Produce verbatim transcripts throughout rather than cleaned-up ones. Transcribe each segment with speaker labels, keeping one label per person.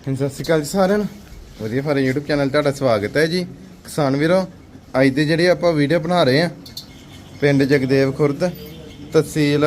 Speaker 1: ਸਤਿ ਸ਼੍ਰੀ ਅਕਾਲ ਜੀ ਸਾਰਿਆਂ ਨੂੰ। ਵਧੀਆ ਫਾਰਮ YouTube ਚੈਨਲ ਤੁਹਾਡਾ ਸਵਾਗਤ ਹੈ ਜੀ। ਕਿਸਾਨ ਵੀਰੋ, ਅੱਜ ਦੇ ਜਿਹੜੇ ਆਪਾਂ ਵੀਡੀਓ ਬਣਾ ਰਹੇ ਆ ਪਿੰਡ ਜਗਦੇਵ ਖੁਰਦ, ਤਹਿਸੀਲ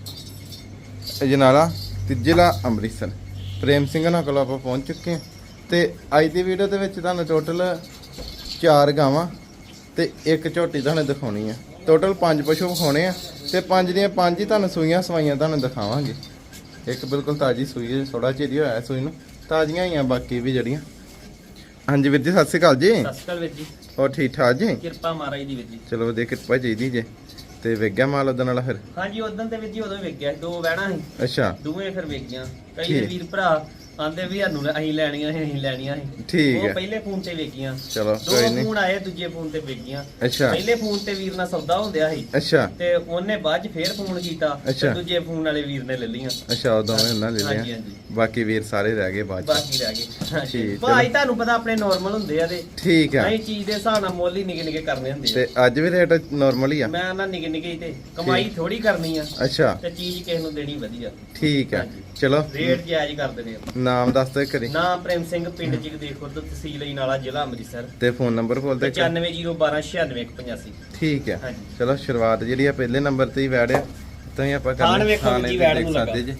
Speaker 1: ਅਜਨਾਲਾ ਤੇ ਜ਼ਿਲ੍ਹਾ ਅੰਮ੍ਰਿਤਸਰ। ਪ੍ਰੇਮ ਸਿੰਘ ਨਾਲ ਕੋਲ ਆਪਾਂ ਪਹੁੰਚ ਚੁੱਕੇ ਹਾਂ ਤੇ ਅੱਜ ਦੀ ਵੀਡੀਓ ਦੇ ਵਿੱਚ ਤੁਹਾਨੂੰ ਟੋਟਲ ਚਾਰ ਗਾਵਾਂ ਤੇ ਇੱਕ ਝੋਟੀ ਤੁਹਾਨੂੰ ਦਿਖਾਉਣੀ ਆ। ਟੋਟਲ ਪੰਜ ਪਸ਼ੂ ਵਿਖਾਉਣੇ ਆ ਤੇ ਪੰਜ ਦੀਆਂ ਪੰਜ ਹੀ ਤੁਹਾਨੂੰ ਸੂਈਆਂ ਸਵਾਈਆਂ ਤੁਹਾਨੂੰ ਦਿਖਾਵਾਂਗੇ। ਇੱਕ ਬਿਲਕੁਲ ਤਾਜ਼ੀ ਸੂਈ ਹੈ, ਥੋੜਾ ਚਿਰ ਹੀ ਹੋਇਆ ਸੂਈ ਨੂੰ, ਤਾਜ਼ੀਆਂ ਹੀ ਆ ਬਾਕੀ ਵੀ ਜਿਹੜੀਆਂ। ਹਾਂਜੀ ਵੀਰ ਜੀ, ਸਤਿ ਸ਼੍ਰੀ ਅਕਾਲ ਜੀ।
Speaker 2: ਸਤਿ ਸ਼੍ਰੀ ਅਕਾਲ ਵੀਰ ਜੀ।
Speaker 1: ਹੋਰ ਠੀਕ ਠਾਕ ਜੀ?
Speaker 2: ਕਿਰਪਾ ਮਹਾਰਾਜ ਦੀ ਵੀਰ ਜੀ।
Speaker 1: ਚਲੋ ਵਧੀਆ, ਕਿਰਪਾ ਚਾਹੀਦੀ ਜੇ। ਤੇ ਵੇਖ ਗਿਆ ਮਾਲ ਉਦੋਂ ਨਾਲ ਫਿਰ?
Speaker 2: ਹਾਂਜੀ, ਉਦੋਂ ਤੇ ਵੀਰ ਜੀ ਉਦੋਂ ਹੀ ਵੇਖ ਗਿਆ, ਦੋ ਵਹਿਣਾ ਸੀ।
Speaker 1: ਅੱਛਾ,
Speaker 2: ਦੋਵੇਂ ਫਿਰ ਵੇਖ ਗਿਆ। ਕਈ ਦੇ ਵੀਰ ਭਰਾ ਆਂਦੇ ਵੀ ਸਾਨੂੰ ਅਸੀਂ ਲੈਣੀਆਂ ਸੀ, ਅਸੀਂ ਲੈਣੀਆਂ ਸੀ।
Speaker 1: ਠੀਕ
Speaker 2: ਉਹ
Speaker 1: ਹੈ,
Speaker 2: ਤੇ ਫੋਨ ਤੇ ਵੇਖੀਆਂ।
Speaker 1: ਚਲੋ
Speaker 2: ਦੋ
Speaker 1: ਕੋਈ ਨਹੀਂ।
Speaker 2: ਫੋਨ ਆਏ, ਦੂਜੇ ਫੋਨ ਤੇ ਵੇਖੀਆਂ।
Speaker 1: ਅੱਛਾ
Speaker 2: ਪਹਿਲੇ ਫੋਨ ਤੇ ਵੀਰ ਨਾਲ ਸੌਦਾ ਹੁੰਦਿਆ ਸੀ
Speaker 1: ਅੱਛਾ
Speaker 2: ਤੇ ਉਹਨੇ ਬਾਅਦ ਚ ਫੇਰ ਫੋਨ ਕੀਤਾ
Speaker 1: ਅੱਛਾ।
Speaker 2: ਤੇ ਦੂਜੇ ਫੋਨ ਵਾਲੇ ਵੀਰ ਨੇ ਲੈ ਲਈਆਂ।
Speaker 1: ਅੱਛਾ, ਉਦੋਂ ਉਹਨਾਂ ਲੈ
Speaker 2: ਹਾਂਜੀ
Speaker 1: ਲਿਆ,
Speaker 2: ਹਾਂਜੀ,
Speaker 1: ਬਾਕੀ ਵੀਰ ਸਾਰੇ ਰਹਿ ਗਏ ਬਾਅਦ ਚ।
Speaker 2: ਬਾਕੀ ਰਹਿ ਗਏ। ਹਾਂਜੀ
Speaker 1: ਠੀਕ,
Speaker 2: ਭਾਈ ਤੁਹਾਨੂੰ ਪਤਾ ਆਪਣੇ ਨਾਰਮਲ ਹੁੰਦੇ ਆ ਤੇ
Speaker 1: ਠੀਕ ਆ।
Speaker 2: ਅਸੀਂ ਚੀਜ਼ ਦੇ ਹਿਸਾਬ ਨਾਲ ਮੁੱਲ ਹੀ ਨਿੱਕੇ ਨਿੱਕੇ ਕਰਨੇ ਹੁੰਦੇ
Speaker 1: ਤੇ ਅੱਜ ਵੀ ਰੇਟ ਨਾਰਮਲ ਹੀ
Speaker 2: ਆ।
Speaker 1: ਆ?
Speaker 2: ਮੈਂ ਨਾ ਨਿੱਕੇ ਨਿੱਕੇ ਹੀ ਤੇ ਕਮਾਈ ਥੋੜੀ ਕਰਨੀ ਆ
Speaker 1: ਅੱਛਾ
Speaker 2: ਤੇ ਚੀਜ਼ ਕਿਸੇ ਨੂੰ ਦੇਣੀ ਵਧੀਆ।
Speaker 1: ਠੀਕ ਆ,
Speaker 2: ਹਾਂਜੀ।
Speaker 1: ਚਲੋ
Speaker 2: ਰੇਟ ਜਾਇਜ਼ ਕਰ ਦਿੰਦੇ ਆ।
Speaker 1: ਨਾਮ ਦੱਸ ਦਿਓ ਕਰੀ
Speaker 2: ਨਾਮ ਪ੍ਰੇਮ ਸਿੰਘ, ਪਿੰਡ ਜਗਦੇਵ ਖੁਰਦ, ਤਹਿਸੀਲ ਅਜਨਾਲਾ, ਜ਼ਿਲ੍ਹਾ ਅੰਮ੍ਰਿਤਸਰ।
Speaker 1: ਤੇ ਫੋਨ ਨੰਬਰ ਬੋਲ ਦੇ।
Speaker 2: ਪਚਾਨਵੇਂ ਜ਼ੀਰੋ ਬਾਰਾਂ ਛਿਆਨਵੇਂ ਇੱਕ ਪਚਾਸੀ।
Speaker 1: ਠੀਕ ਆ,
Speaker 2: ਹਾਂਜੀ।
Speaker 1: ਚਲੋ ਸ਼ੁਰੂਆਤ ਜਿਹੜੀ ਆ ਪਹਿਲੇ ਨੰਬਰ ਤੇ ਹੀ ਵੈੜਿਆ ਤਾਂ ਹੀ ਆਪਾਂ
Speaker 2: ਥਾਣ ਵੇਖੋ ਜੀ, ਵੈੜ ਨੂੰ ਲੱਗਾ।
Speaker 1: ਜੀ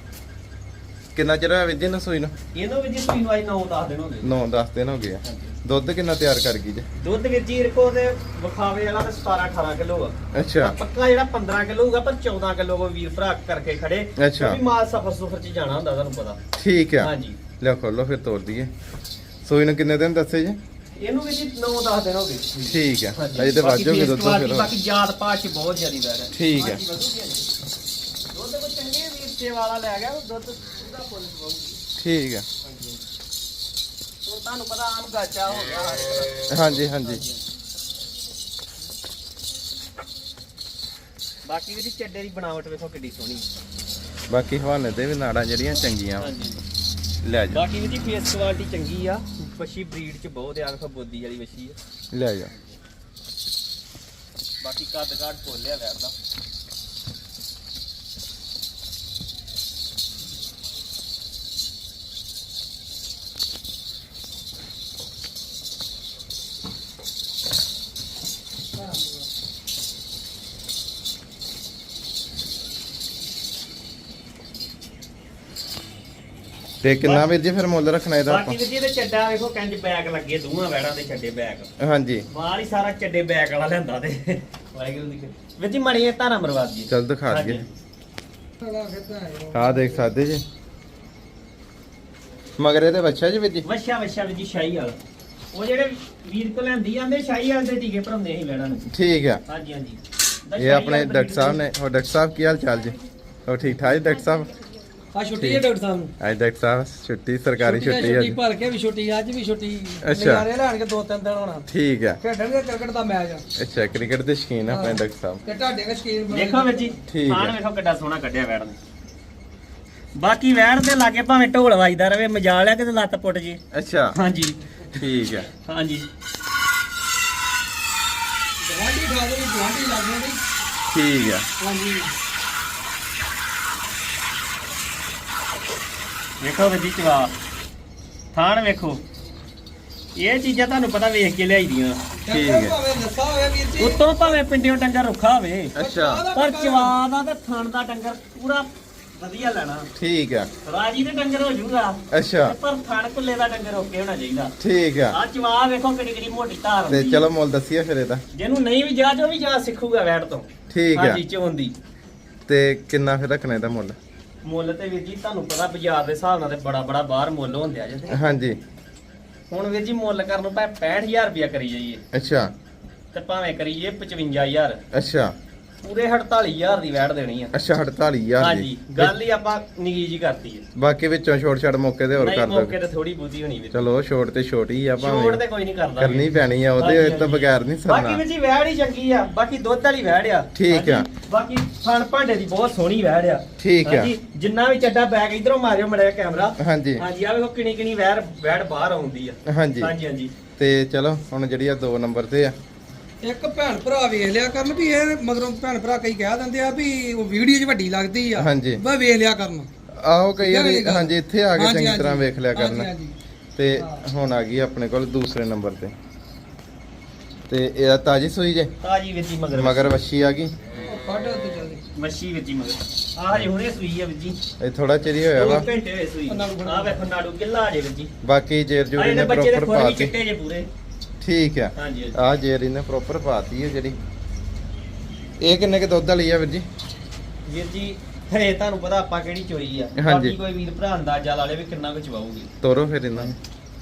Speaker 1: ਕਿੰਨਾ ਚਿਰ ਹੋਇਆ ਵਿਜੇ ਨੂੰ ਸੂਈ ਨੂੰ?
Speaker 2: ਇਹਨੂੰ ਵੀ ਜੀ ਸੂਈ ਨੂੰ ਅੱਜ ਨੌ ਦਸ ਦਿਨ ਹੋ ਗਏ।
Speaker 1: ਨੌ ਦਸ ਦਿਨ ਹੋ ਗਏ ਆ। ਦੁੱਧ ਕਿੰਨਾ ਤਿਆਰ ਕਰ ਗਈ ਜੀ?
Speaker 2: ਦੁੱਧ ਵੀਰ ਜੀ ਰਕੋ ਤੇ ਵਿਖਾਵੇ ਵਾਲਾ ਤੇ ਸਤਾਰਾਂ ਅਠਾਰਾਂ ਕਿਲੋ ਆ।
Speaker 1: ਅੱਛਾ
Speaker 2: ਪੱਕਾ ਜਿਹੜਾ ਪੰਦਰਾਂ ਕਿਲੋ ਹੋਊਗਾ, ਪਰ ਚੌਦਾਂ ਕਿਲੋ ਕੋ ਵੀਰ ਭਰਾ ਕਰਕੇ ਖੜੇ।
Speaker 1: ਅੱਛਾ।
Speaker 2: ਵੀ ਮਾਲ ਸਫਰ ਸੁਫਰ ਚ ਜਾਣਾ ਹੁੰਦਾ, ਤੁਹਾਨੂੰ ਪਤਾ।
Speaker 1: ਠੀਕ ਆ,
Speaker 2: ਹਾਂਜੀ।
Speaker 1: ਲਿਆ ਖੋਲੋ ਫਿਰ ਤੋੜ ਦਈਏ। ਸੂਈ ਨੂੰ ਕਿੰਨੇ ਦਿਨ ਦੱਸੇ ਜੀ?
Speaker 2: ਇਹਨੂੰ ਵੀ ਜੀ ਨੌ ਦਸ ਦਿਨ ਹੋ ਗਏ।
Speaker 1: ਠੀਕ ਆ,
Speaker 2: ਹਾਂਜੀ।
Speaker 1: ਅਜੇ ਤੇ
Speaker 2: ਬਾਕੀ
Speaker 1: ਵਾਜੋਗੇ ਦੁੱਧ
Speaker 2: ਫੇਸ
Speaker 1: ਫਿਰ।
Speaker 2: ਬਾਕੀ ਜਾਤ ਪਾਤ ਚ ਬਹੁਤ ਜ਼ਿਆਦੀ ਵੈਰ ਹੈ।
Speaker 1: ਠੀਕ ਆ।
Speaker 2: ਹਾਂਜੀ, ਵਧੂਗੀ ਜੀ। ਦੁੱਧ ਕੋਈ ਚੰਗੇ ਵੀਰ ਸੇ ਵਾਲਾ ਲੈ ਗਿਆ, ਉਹ ਦੁੱਧ ਪੂਰਾ ਫੁੱਲ ਪਵਾਉਗੀ।
Speaker 1: ਠੀਕ ਆ।
Speaker 2: ਹਾਂਜੀ। ਹੁਣ ਤੁਹਾਨੂੰ ਪਤਾ ਆਮ ਗਾਚਾ ਹੋ ਗਿਆ ਹਰ ਇੱਕ ਦਾ।
Speaker 1: ਹਾਂਜੀ ਹਾਂਜੀ।
Speaker 2: ਬਾਕੀ ਵੀ ਚੱਡੇ ਦੀ ਬਣਾਵਟ ਵੇਖੋ ਕਿੱਡੀ ਸੋਹਣੀ।
Speaker 1: ਬਾਕੀ ਹਵਾਨੇ ਤੇ ਵੀ ਨਾੜਾਂ ਜਿਹੜੀਆਂ ਚੰਗੀਆਂ।
Speaker 2: ਹਾਂਜੀ।
Speaker 1: ਲੈ ਜਾ,
Speaker 2: ਬਾਕੀ ਵੀ ਜੀ ਫੇਸ ਕੁਆਲਿਟੀ ਚੰਗੀ ਆ। ਵੱਛੀ ਬਰੀਡ ਚ ਬਹੁਤ ਆ, ਵੇਖੋ ਬੋਦੀ ਵਾਲੀ ਵੱਛੀ ਆ।
Speaker 1: ਲੈ ਜਾ।
Speaker 2: ਬਾਕੀ ਕੱਦ ਕਾਠ ਖੋਲਿਆ ਵੈਰ ਦਾ।
Speaker 1: ਤੇ ਕਿੰਨਾ ਵੀਰ ਜੀ ਫਿਰ ਮੁੱਲ ਰੱਖਣਾ ਇਹਦਾ ਆਪਾਂ?
Speaker 2: ਬਾਕੀ ਵੀਰ ਜੀ ਇਹਦੇ ਚੱਡਾ ਵੇਖੋ ਕੰਜ ਬੈਗ ਲੱਗੇ, ਦੋਵਾਂ ਵੈੜਾਂ ਦੇ ਚੱਡੇ ਬੈਗ।
Speaker 1: ਹਾਂਜੀ।
Speaker 2: ਮਾਲ ਹੀ ਸਾਰਾ ਚੱਡੇ ਬੈਗ ਵਾਲਾ ਲੈਂਦਾ ਤੇ ਵਾਹਿਗੁਰੂ ਦੀ ਕਿਰਪਾ। ਵੀਰ ਜੀ ਮਣੀ ਧਾਰਾ ਮਰਵਾਦ ਜੀ।
Speaker 1: ਚੱਲ ਦਿਖਾ ਦਈਏ। ਆਹ ਦੇਖ ਸਕਦੇ ਜੀ, ਮਗਰ ਇਹਦੇ ਬੱਚਾ ਜੀ ਵੀਰ ਜੀ?
Speaker 2: ਵਛਾ ਵਛਾ ਵੀਰ ਜੀ ਸ਼ਾਹੀ ਵਾਲਾ। ਉਹ ਜਿਹੜੇ ਵੀਰ ਕੋ ਲੈਂਦੀ ਜਾਂਦੇ ਸ਼ਾਹੀ ਵਾਲੇ ਦੇ ਟੀਕੇ ਭਰਾਉਂਦੇ ਅਸੀਂ ਵੈੜਾਂ ਨੂੰ।
Speaker 1: ਠੀਕ ਆ।
Speaker 2: ਹਾਂਜੀ ਹਾਂਜੀ।
Speaker 1: ਇਹ ਆਪਣੇ ਡਾਕਟਰ ਸਾਹਿਬ ਨੇ। ਹੋਰ ਡਾਕਟਰ ਸਾਹਿਬ ਕੀ ਹਾਲ ਚਾਲ ਜੀ? ਹੋਰ ਠੀਕ ਠਾਕ ਜੀ ਡਾਕਟਰ ਸਾਹਿਬ?
Speaker 3: ਆ ਛੁੱਟੀ ਹੈ ਡਾਕਟਰ ਸਾਹਿਬ ਨੂੰ।
Speaker 1: ਅੱਜ ਡਾਕਟਰ ਸਾਹਿਬ ਛੁੱਟੀ, ਸਰਕਾਰੀ ਛੁੱਟੀ
Speaker 3: ਛੁੱਟੀ
Speaker 1: ਅੱਜ।
Speaker 3: ਭਰ ਕੇ ਵੀ ਛੁੱਟੀ, ਅੱਜ ਵੀ ਛੁੱਟੀ।
Speaker 1: ਅੱਛਾ।
Speaker 3: ਨਜ਼ਾਰੇ ਲੈਣ ਕੇ ਦੋ ਤਿੰਨ ਦਿਨ ਹੋਣਾ।
Speaker 1: ਠੀਕ ਆ।
Speaker 3: ਖੇਡਣਗੇ ਕ੍ਰਿਕਟ ਦਾ ਮੈਚ ਆ।
Speaker 1: ਅੱਛਾ, ਕ੍ਰਿਕਟ ਦੇ ਸ਼ੌਕੀਨ ਆ ਆਪਣੇ ਡਾਕਟਰ ਸਾਹਿਬ।
Speaker 3: ਤੇ ਤੁਹਾਡੇ ਦੇ ਸ਼ਕੀਨ ਬਣੇ।
Speaker 2: ਦੇਖੋ ਵੀਰ ਜੀ,
Speaker 1: ਠੀਕ
Speaker 2: ਖਾਣ
Speaker 1: ਹੈ।
Speaker 2: ਵੇਖੋ ਕਿੱਡਾ ਸੋਹਣਾ ਕੱਢਿਆ ਵੈੜ ਨੇ। ਬਾਕੀ ਵੈੜ ਦੇ ਲਾਗੇ ਭਾਵੇਂ ਢੋਲ ਵੱਜਦਾ ਰਵੇ, ਮਜਾਲ ਆ ਕਿਤੇ ਲੱਤ ਪੁੱਟ ਜੇ।
Speaker 1: ਅੱਛਾ
Speaker 2: ਹਾਂਜੀ
Speaker 1: ਠੀਕ ਆ।
Speaker 2: ਹਾਂਜੀ।
Speaker 3: ਗਵਾਂਢੀ ਖਾ ਦੇ, ਗਵਾਂਢੀ ਲੱਗ ਜਾਂਦੀ।
Speaker 1: ਠੀਕ ਆ।
Speaker 3: ਹਾਂਜੀ।
Speaker 2: ਵੇਖੋ ਵੀਰ ਜੀ ਚਵਾ ਥਾਣ ਵੇਖੋ। ਇਹ ਚੀਜ਼ਾਂ ਤੁਹਾਨੂੰ ਪਤਾ ਵੇਖ ਕੇ ਲਿਆਈ ਦੀਆਂ।
Speaker 1: ਠੀਕ ਹੈ।
Speaker 3: ਭਾਵੇਂ ਲੱਸਾ ਹੋਵੇ ਵੀਰ ਜੀ।
Speaker 2: ਉਤੋਂ ਭਾਵੇਂ ਪਿੰਡਿਓਂ ਡੰਗਰ ਰੁੱਖਾ ਹੋਵੇ,
Speaker 1: ਅੱਛਾ
Speaker 2: ਪਰ ਚਵਾ ਦਾ ਤੇ ਥਣ ਦਾ ਡੰਗਰ ਪੂਰਾ ਵਧੀਆ ਲੈਣਾ।
Speaker 1: ਠੀਕ ਆ।
Speaker 2: ਰਾਜੀ ਦੇ ਡੰਗਰ ਹੋ ਜਾਊਗਾ,
Speaker 1: ਅੱਛਾ
Speaker 2: ਪਰ ਥਣ ਕੁੱਲੇ ਦਾ ਡੰਗਰ ਓਕੇ ਹੋਣਾ ਚਾਹੀਦਾ।
Speaker 1: ਠੀਕ ਆ।
Speaker 2: ਆ ਚਵਾ ਵੇਖੋ ਕਿਹੜੀ ਕਿਹੜੀ ਮੋਟੀ ਧਾਰ
Speaker 1: ਤੇ
Speaker 2: ਹੁੰਦੀ।
Speaker 1: ਚਲੋ ਮੁੱਲ ਦੱਸੀਏ ਫਿਰ ਇਹਦਾ।
Speaker 2: ਜਿਹਨੂੰ ਨਹੀਂ ਵੀ ਜਾ ਜੋ ਵੀ ਜਾ ਸਿੱਖੂਗਾ ਵੈੜ ਤੋਂ।
Speaker 1: ਠੀਕ ਆ।
Speaker 2: ਹਾਂਜੀ ਚੋਣ ਦੀ।
Speaker 1: ਤੇ ਕਿੰਨਾ ਫਿਰ ਰੱਖਣਾ ਇਹਦਾ ਮੁੱਲ?
Speaker 2: ਮੁੱਲ ਤੇ ਵੀਰ ਜੀ ਤੁਹਾਨੂੰ ਪਤਾ ਬਾਜ਼ਾਰ ਦੇ ਹਿਸਾਬ ਨਾਲ ਤੇ ਬੜਾ ਬੜਾ ਬਾਹਰ ਮੁੱਲ ਹੁੰਦੇ ਆ ਜਿੱਥੇ।
Speaker 1: ਹਾਂਜੀ।
Speaker 2: ਹੁਣ ਵੀਰ ਜੀ ਮੁੱਲ ਕਰਨ ਨੂੰ ਭਾਵੇਂ ਪੈਂਹਠ ਹਜ਼ਾਰ ਰੁਪਇਆ ਕਰੀ ਜਾਈਏ
Speaker 1: ਅੱਛਾ
Speaker 2: ਤੇ ਭਾਵੇਂ ਕਰੀਏ ਪਚਵੰਜਾ ਹਜ਼ਾਰ,
Speaker 1: ਅੱਛਾ
Speaker 2: ਪੂਰੇ ਅੜਤਾਲੀ ਹਜ਼ਾਰ ਦੀ ਵੈੜ ਦੇਣੀ ਆ।
Speaker 1: ਅੱਛਾ ਅੜਤਾਲੀ ਹਜ਼ਾਰ
Speaker 2: ਹਾਂਜੀ,
Speaker 1: ਦੀ।
Speaker 2: ਗੱਲ ਹੀ ਆਪਾਂ ਨਿੱਕੀ ਜੀ ਕਰਤੀ ਹੈ।
Speaker 1: ਬਾਕੀ ਵਿੱਚੋਂ ਛੋਟ ਛਾਟ ਮੌਕੇ ਤੇ ਹੋਰ
Speaker 2: ਨਹੀਂ
Speaker 1: ਕਰ
Speaker 2: ਮੌਕੇ
Speaker 1: ਦੋ।
Speaker 2: ਤੇ ਥੋੜੀ ਬੁੱਧੀ ਹੋਣੀ ਵੀਰ।
Speaker 1: ਚਲੋ ਛੋਟ ਤੇ ਛੋਟੀ ਆ
Speaker 2: ਛੋੜ
Speaker 1: ਭਾਵੇਂ,
Speaker 2: ਤੇ ਕੋਈ ਨਹੀਂ ਕਰਦਾ
Speaker 1: ਕਰਨੀ ਪੈਣੀ ਆ ਉਹਦੇ
Speaker 2: ਹਾਂਜੀ,
Speaker 1: ਤੋਂ ਬਗੈਰ ਨਹੀਂ
Speaker 2: ਬਾਕੀ
Speaker 1: ਸਰਨਾ।
Speaker 2: ਵੀਰ ਜੀ ਵੈੜ ਹੀ ਚੰਗੀ ਆ, ਬਾਕੀ ਦੁੱਧ ਵਾਲੀ ਵੈੜ ਆ।
Speaker 1: ਠੀਕ ਆ।
Speaker 2: ਹਾਂਜੀ, ਬਾਕੀ ਫਣ ਭਾਂਡੇ ਦੀ ਬਹੁਤ ਸੋਹਣੀ ਵੈੜ ਆ।
Speaker 1: ਠੀਕ ਆ।
Speaker 2: ਹਾਂਜੀ, ਜਿੰਨਾ ਵੀ ਚੱਡਾ ਬੈਗ ਇਧਰੋਂ ਮਾਰਿਓ ਮੜਿਆ ਕੈਮਰਾ।
Speaker 1: ਹਾਂਜੀ
Speaker 2: ਹਾਂਜੀ ਆ ਵੇਖੋ ਕਿਣੀ ਕਿਣੀ ਵੈੜ ਵੈੜ ਬਾਹਰ ਆਉਂਦੀ ਆ।
Speaker 1: ਹਾਂਜੀ।
Speaker 2: ਹਾਂਜੀ ਹਾਂਜੀ।
Speaker 1: ਤੇ ਚਲੋ ਹੁਣ ਜਿਹੜੀ ਆ ਦੋ ਨੰਬਰ ਤੇ ਆ।
Speaker 3: ਇੱਕ ਭੈਣ ਭਰਾ ਵੇਖ ਲਿਆ ਕਰਨ ਵੀ ਇਹ ਮਗਰੋਂ ਭੈਣ ਭਰਾ ਕਈ ਕਹਿ ਦਿੰਦੇ ਆ ਵੀ ਉਹ ਵੀਡੀਓ 'ਚ ਵੱਡੀ ਲੱਗਦੀ ਆ।
Speaker 1: ਹਾਂਜੀ।
Speaker 3: ਬਸ ਵੇਖ ਲਿਆ ਕਰਨ।
Speaker 1: ਆਹੋ ਕਈ ਵਾਰੀ
Speaker 3: ਠੀਕ ਹੈ ਗੱਲ।
Speaker 1: ਹਾਂਜੀ ਇੱਥੇ ਆ ਕੇ
Speaker 3: ਹਾਂਜੀ,
Speaker 1: ਚੰਗੀ ਤਰ੍ਹਾਂ
Speaker 3: ਹਾਂਜੀ।
Speaker 1: ਵੇਖ ਲਿਆ
Speaker 3: ਹਾਂਜੀ,
Speaker 1: ਕਰਨਾ
Speaker 3: ਹਾਂਜੀ।
Speaker 1: ਤੇ ਹੁਣ ਆ ਗਈ ਆਪਣੇ ਕੋਲ ਦੂਸਰੇ ਨੰਬਰ ਤੇ ਤੇ ਇਹਦਾ ਤਾਜੀ ਸੂਈ ਜੇ
Speaker 2: ਤਾਜੀ ਵਿੱਚ ਹੀ ਮਗਰ
Speaker 1: ਮਗਰ ਵੱਛੀ ਆ ਗਈ
Speaker 3: ਉਹ ਕੱਢ ਉੱਤੇ ਚੱਲਦੀ
Speaker 2: ਮੱਛੀ ਵਿੱਚ ਹੀ ਮਗਰ ਆਹ ਹਜੇ ਹੁਣੇ ਸੂਈ ਆ ਵਿੱਚ ਜੀ
Speaker 1: ਇਹ ਥੋੜਾ ਚਿਰ ਹੀ ਹੋਇਆ
Speaker 2: ਦੋ
Speaker 1: ਵਾ
Speaker 2: ਘੰਟੇ ਹੋਏ ਸੂਈ
Speaker 3: ਨਾੜੂ
Speaker 2: ਆਹ ਵੇਖੋ ਨਾੜੂ ਕਿੱਲਾ ਜੇ ਵਿੱਚ ਜੀ
Speaker 1: ਬਾਕੀ ਜੇਰ
Speaker 2: ਆਹ
Speaker 1: ਜੂਰੀ
Speaker 2: ਇਹਦੇ
Speaker 1: ਨੇ
Speaker 2: ਬੱਚੇ ਦੇ
Speaker 1: ਪ੍ਰੋਪਰ
Speaker 2: ਖੁਰ ਵੀ
Speaker 1: ਪਾਤੀ
Speaker 2: ਚਿੱਟੇ ਜੇ ਪੂਰੇ
Speaker 1: ਠੀਕ ਆ
Speaker 2: ਹਾਂਜੀ ਹਾਂਜੀ।
Speaker 1: ਆ ਜੇਰ ਇਹਨੇ ਪ੍ਰੋਪਰ ਪਾਤੀ ਹੈ ਜਿਹੜੀ ਇਹ ਕਿੰਨੇ ਕੇ ਦੁੱਧ ਵਾਲੀ ਆ ਵੀਰ ਜੀ
Speaker 2: ਵੀਰ ਜੀ ਹਰੇ ਤੁਹਾਨੂੰ ਪਤਾ ਆਪਾਂ ਕਿਹੜੀ ਚੋਈ ਆ
Speaker 1: ਹਾਂਜੀ।
Speaker 2: ਬਾਕੀ ਕੋਈ ਵੀਰ ਭਰਾ ਅੰਦਾਜ਼ਾ ਲਾ ਲੇ ਵੀ ਕਿੰਨਾ ਕੁ ਚਵਾਊਗੀ
Speaker 1: ਤੋਰੋ ਫਿਰ ਇਹਨਾਂ ਨੂੰ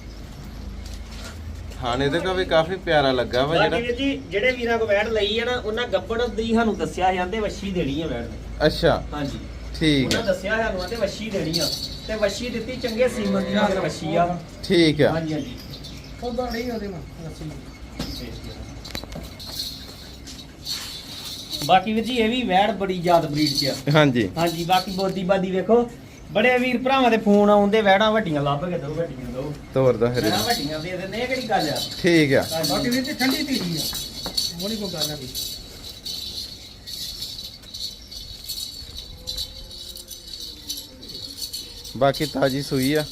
Speaker 1: ਹਾਂ ਇਹਦੇ ਕਾ ਵੀ ਕਾਫੀ ਪਿਆਰਾ ਲੱਗਾ ਵਾ
Speaker 2: ਬਾਕੀ
Speaker 1: ਜਿਹੜਾ
Speaker 2: ਵੀਰ ਜੀ ਜਿਹੜੇ ਵੀਰਾਂ ਕੋ ਵੈੜ ਲਈ ਆ ਨਾ ਉਹਨਾਂ ਗੱਬੜ ਦੀ ਸਾਨੂੰ ਦੱਸਿਆ ਜਾਂਦੇ ਵੱਛੀ ਦੇਣੀ ਆ ਵੈੜ ਨੇ
Speaker 1: ਅੱਛਾ
Speaker 2: ਹਾਂਜੀ
Speaker 1: ਠੀਕ
Speaker 2: ਉਹਨਾਂ
Speaker 1: ਆ
Speaker 2: ਦੱਸਿਆ ਸਾਨੂੰ ਆਂਦੇ ਵੱਛੀ ਦੇਣੀ ਆ ਤੇ ਵੱਛੀ ਦਿੱਤੀ ਚੰਗੇ ਸੀਮਨ ਦੀ ਮਗਰ ਵੱਛੀ ਆ
Speaker 1: ਠੀਕ ਆ
Speaker 2: ਹਾਂਜੀ ਹਾਂਜੀ
Speaker 3: ਉਹਦਾ ਨਹੀਂ ਉਹਦੇ ਨਾਲ ਰੱਸੀ
Speaker 2: ਬਾਕੀ ਵੀਰ ਜੀ ਇਹ ਵੀ ਵੈੜ ਬੜੀ ਯਾਦ ਬਰੀਡ ਚ ਆ
Speaker 1: ਹਾਂਜੀ
Speaker 2: ਹਾਂਜੀ ਬਾਕੀ ਬੋਦੀ ਬਾਦੀ ਵੇਖੋ ਬੜੇ ਵੀਰ ਭਰਾਵਾਂ ਦੇ ਫੋਨ ਆਉਂਦੇ ਵੈੜਾਂ ਵੱਡੀਆਂ ਲੱਭ ਕੇ ਦੋ ਵੱਡੀਆਂ ਦੋ
Speaker 1: ਤੋਰਦਾ ਫਿਰ
Speaker 2: ਵੈੜਾਂ
Speaker 1: ਇਹਨੂੰ।
Speaker 2: ਵੱਡੀਆਂ ਦੇ ਦਿੰਦੇ ਇਹ ਕਿਹੜੀ ਗੱਲ ਆ
Speaker 1: ਠੀਕ ਆ
Speaker 3: ਬਾਕੀ ਵੀਰ ਜੀ ਠੰਡੀ ਧੀਰੀ ਆ ਉਹ ਨਹੀਂ ਕੋਈ ਗੱਲ ਆ ਵੀ
Speaker 1: ਬਾਕੀ ਤਾਜੀ ਸੂਈ ਆ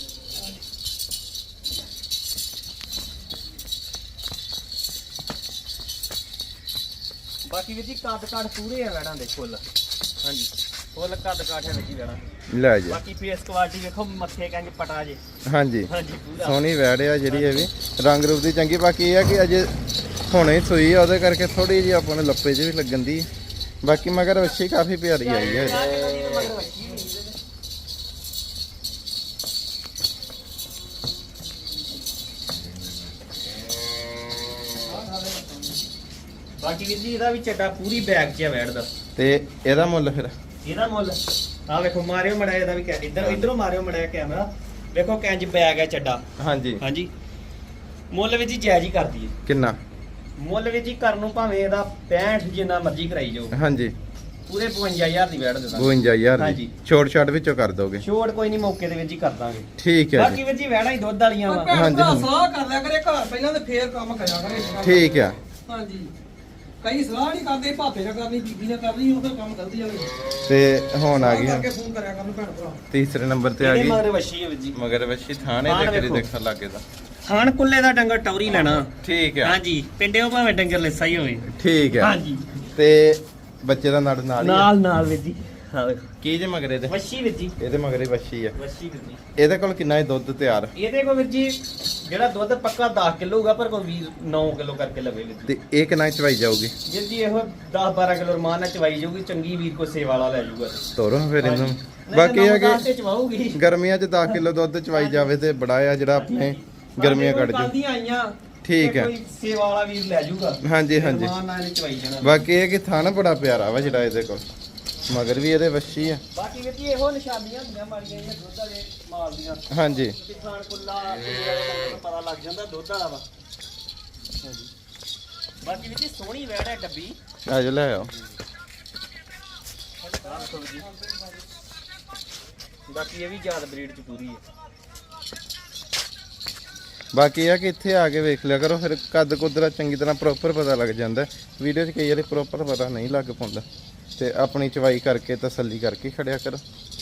Speaker 2: ਬਾਕੀ ਵੀਰ ਜੀ ਕੱਦ ਕਾਠ ਪੂਰੇ ਆ ਵੈੜਾਂ ਦੇ ਫੁੱਲ ਹਾਂਜੀ ਫੁੱਲ ਕੱਦ ਕਾਠ ਹੈ ਜੀ ਵੈੜਾਂ
Speaker 1: ਲੈ ਜੀ
Speaker 2: ਬਾਕੀ ਫੇਸ ਕੁਆਲਿਟੀ ਵੇਖੋ ਮੱਥੇ ਕੰਜ ਪਟਾ ਜੇ
Speaker 1: ਹਾਂਜੀ
Speaker 2: ਹਾਂਜੀ ਪੂਰਾ
Speaker 1: ਸੋਹਣੀ ਵੈੜ ਆ ਜਿਹੜੀ ਇਹ ਵੀ ਰੰਗ ਰੂਪ ਦੀ ਚੰਗੀ ਬਾਕੀ ਇਹ ਆ ਕਿ ਅਜੇ ਹੁਣੇ ਸੂਈ ਆ ਉਹਦੇ ਕਰਕੇ ਥੋੜੀ ਜਿਹੀ ਆਪਾਂ ਨੂੰ ਲੱਪੇ 'ਚ ਵੀ ਲੱਗਣ ਦੀ ਬਾਕੀ ਮਗਰ ਵੱਛੀ ਕਾਫੀ ਪਿਆਰੀ ਆਈ ਹੈ
Speaker 2: ਬਾਕੀ ਵੀਰ ਜੀ ਇਹਦਾ ਵੀ ਚੱਡਾ ਪੂਰੀ ਬੈਗ 'ਚ ਆ ਵੈੜ ਦਾ
Speaker 1: ਤੇ ਇਹਦਾ ਮੁੱਲ ਫਿਰ
Speaker 2: ਇਹਦਾ ਮੁੱਲ ਆ ਵੇਖੋ ਮਾਰਿਓ ਮੜਾ ਇਹਦਾ ਵੀ ਕੈ- ਇੱਧਰ ਇੱਧਰੋਂ ਮਾਰਿਓ ਮੜਾ ਕੈਮਰਾ ਵੇਖੋ ਕੰਜ ਬੈਗ ਹੈ ਚੱਡਾ
Speaker 1: ਹਾਂਜੀ
Speaker 2: ਹਾਂਜੀ ਮੁੱਲ ਵੀ ਜੀ ਜਾਇਜ਼ ਹੀ ਕਰਦੀ ਹੈ
Speaker 1: ਕਿੰਨਾ
Speaker 2: ਮੁੱਲ ਵੀ ਜੀ ਕਰਨ ਨੂੰ ਭਾਵੇਂ ਇਹਦਾ ਪੈਂਹਠ ਜਿੰਨਾ ਮਰਜ਼ੀ ਕਰਾਈ ਜਾਓ
Speaker 1: ਹਾਂਜੀ
Speaker 2: ਪੂਰੇ ਬਵੰਜਾ ਹਜ਼ਾਰ ਦੀ ਵੈੜ ਦੇ ਦਾਂਗੇ
Speaker 1: ਬਵੰਜਾ ਹਜ਼ਾਰ ਦੀ
Speaker 2: ਹਾਂਜੀ।
Speaker 1: ਛੋਟ ਛਾਟ ਵਿੱਚੋਂ ਕਰ ਦੋਗੇ
Speaker 2: ਛੋੜ ਕੋਈ ਨਹੀਂ ਮੌਕੇ ਦੇ ਵਿੱਚ ਹੀ ਕਰ ਦਾਂਗੇ
Speaker 1: ਠੀਕ ਹੈ
Speaker 2: ਬਾਕੀ
Speaker 1: ਜੀ
Speaker 2: ਵੀ ਜੀ ਵੈੜਾਂ ਹੀ ਦੁੱਧ ਵਾਲੀਆਂ ਵਾ
Speaker 3: ਭੈਣ
Speaker 1: ਹਾਂਜੀ,
Speaker 3: ਭਰਾ
Speaker 1: ਹਾਂਜੀ।
Speaker 3: ਸਲਾਹ ਕਰ ਲਿਆ ਕਰੇ ਘਰ ਪਹਿਲਾਂ ਤੇ ਫੇਰ ਕੰਮ ਕਰਿਆ ਕਰੇ
Speaker 1: ਠੀਕ ਆ
Speaker 3: ਹਾਂਜੀ ਕਈ ਸਲਾਹ ਨਹੀਂ ਕਰਦੇ ਭਾਪੇ ਨਾਲ ਕਰਨੀ ਬੀਬੀ ਨਾਲ ਕਰਨੀ ਉਹ ਫਿਰ ਕੰਮ ਗਲਤੀ ਵਾਲੇ
Speaker 1: ਤੇ ਹੁਣ ਆ ਗਈ
Speaker 3: ਕਰਕੇ ਫੋਨ ਕਰਿਆ ਕਰਨ ਭੈਣ ਭਰਾ
Speaker 1: ਤੀਸਰੇ ਨੰਬਰ ਤੇ ਆ
Speaker 2: ਇਹਦੇ
Speaker 1: ਗਈ
Speaker 2: ਮਗਰ ਵੱਛੀ ਹੈ ਵੀ ਜੀ
Speaker 1: ਮਗਰ ਵੱਛੀ ਥਾਣੇ
Speaker 2: ਥਾਣ
Speaker 1: ਦੇ ਕਰੀ
Speaker 2: ਵੇਖੋ।
Speaker 1: ਦੇਖਣ ਲੱਗੇ ਤਾਂ
Speaker 2: ਖਾਣ ਕੁੱਲੇ ਦਾ ਡੰਗਰ ਟੌਰੀ ਲੈਣਾ
Speaker 1: ਠੀਕ ਆ
Speaker 2: ਹਾਂਜੀ ਪਿੰਡਿਓ ਭਾਵੇਂ ਡੰਗਰ ਲਿੱਸਾ ਹੀ ਹੋਵੇ
Speaker 1: ਠੀਕ ਆ
Speaker 2: ਹਾਂਜੀ
Speaker 1: ਤੇ ਬੱਚੇ ਦਾ ਨੜ ਨਾਲ ਹੀ ਆ।
Speaker 2: ਨਾਲ ਨਾਲ ਵੀ ਜੀ ਹਾਂ ਵੇਖੋ
Speaker 1: ਕੀ ਜੇ ਮਗਰੇ ਦੇ
Speaker 2: ਵੱਛੀ ਵੀ ਜੀ
Speaker 1: ਇਹਦੇ ਮਗਰੇ ਵੱਛੀ ਆ
Speaker 2: ਵੱਛੀ ਵੀ ਜੀ
Speaker 1: ਇਹਦੇ ਕੋਲ ਕਿੰਨਾ ਹੈ ਦੁੱਧ ਤਿਆਰ
Speaker 2: ਇਹਦੇ ਕੋਲ ਵੀਰ ਜੀ ਜਿਹੜਾ ਦੁੱਧ ਪੱਕਾ ਦਸ ਕਿਲੋ ਹੋਊਗਾ ਪਰ ਕੋਈ ਵੀਰ ਨੌ ਕਿਲੋ ਕਰਕੇ ਲਵੇ ਵੀਰ ਜੀ
Speaker 1: ਤੇ ਇਹ ਕਿੰਨਾ ਚਵਾਈ ਜਾਊਗੀ
Speaker 2: ਵੀਰ ਜੀ ਇਹੋ ਦਸ ਬਾਰਾਂ ਕਿਲੋ ਰਮਾਨ ਨਾਲ ਚਵਾਈ ਜਾਊਗੀ ਚੰਗੀ ਵੀਰ ਕੋ ਸੇਵਾ ਵਾਲਾ ਲੈ ਜਾਊਗਾ
Speaker 1: ਤੋਰੋ ਫਿਰ ਇਹਨੂੰ
Speaker 2: ਨਹੀਂ
Speaker 1: ਬਾਕੀ
Speaker 2: ਤਾਂ
Speaker 1: ਇਹ
Speaker 2: ਨੌ
Speaker 1: ਆ
Speaker 2: ਦਸ ਤੇ
Speaker 1: ਕਿ
Speaker 2: ਚਵਾਊਗੀ
Speaker 1: ਗਰਮੀਆਂ 'ਚ ਦਸ ਕਿਲੋ ਦੁੱਧ ਚਵਾਈ ਜਾਵੇ ਤੇ ਬੜਾ ਆ ਜਿਹੜਾ ਆਪਣੇ ਗਰਮੀਆਂ ਕੱਢ ਜੂ
Speaker 2: ਕੱਢਦੀਆਂ ਆਈਆਂ
Speaker 1: ਠੀਕ
Speaker 2: ਤੇ
Speaker 1: ਹੈ।
Speaker 2: ਕੋਈ ਸੇਵਾ ਵਾਲਾ ਵੀਰ ਲੈ ਜਾਊਗਾ
Speaker 1: ਹਾਂਜੀ ਹਾਂਜੀ
Speaker 2: ਰਮਾਨ ਨਾਲ ਇਹਨੇ ਚਵਾਈ ਜਾਣਾ
Speaker 1: ਬਾਕੀ ਇਹ ਕਿ ਥਣ ਬੜਾ ਪਿਆਰਾ ਵਾ ਜਿਹੜਾ ਇਹਦੇ ਕੋਲ ਮਗਰ ਵੀ ਇਹਦੇ ਵੱਛੀ ਆ
Speaker 2: ਬਾਕੀ ਵੀਰ ਜੀ ਇਹੋ ਨਿਸ਼ਾਨੀਆਂ ਹੁੰਦੀਆਂ ਮਾਰੀਆਂ ਜਿਹੜੀਆਂ ਦੁੱਧ ਵਾਲੇ ਮਾਲ ਦੀਆਂ
Speaker 1: ਹਾਂਜੀ
Speaker 2: ਤੇ ਖਾਣ ਕੁੱਲਾ ਕੁੱਲੇ ਵਾਲੇ ਬੰਦੇ ਨੂੰ ਪਤਾ ਲੱਗ ਜਾਂਦਾ ਦੁੱਧ ਵਾਲਾ ਵਾ ਹਾਂਜੀ ਬਾਕੀ ਵੀਰ ਜੀ ਸੋਹਣੀ ਵੈੜ ਹੈ ਡੱਬੀ
Speaker 1: ਆ ਜਾ ਲੈ ਆਓ
Speaker 2: ਆਹ ਦੇਖੋ ਵੀਰ ਜੀ। ਬਾਕੀ ਇਹ ਵੀ ਯਾਦ ਬਰੀਡ ਚ ਪੂਰੀ ਹੈ
Speaker 1: ਬਾਕੀ ਇਹ ਆ ਕਿ ਇੱਥੇ ਆ ਕੇ ਵੇਖ ਲਿਆ ਕਰੋ ਫਿਰ ਕੱਦ ਕੁਦਰਾ ਚੰਗੀ ਤਰ੍ਹਾਂ ਪ੍ਰੋਪਰ ਪਤਾ ਲੱਗ ਜਾਂਦਾ ਵੀਡੀਓ 'ਚ ਕਈ ਵਾਰੀ ਪ੍ਰੋਪਰ ਪਤਾ ਨਹੀਂ ਲੱਗ ਪਾਉਂਦਾ ਤੇ ਆਪਣੀ ਚਵਾਈ ਕਰਕੇ ਤਸੱਲੀ ਕਰਕੇ ਖੜਿਆ ਕਰੋ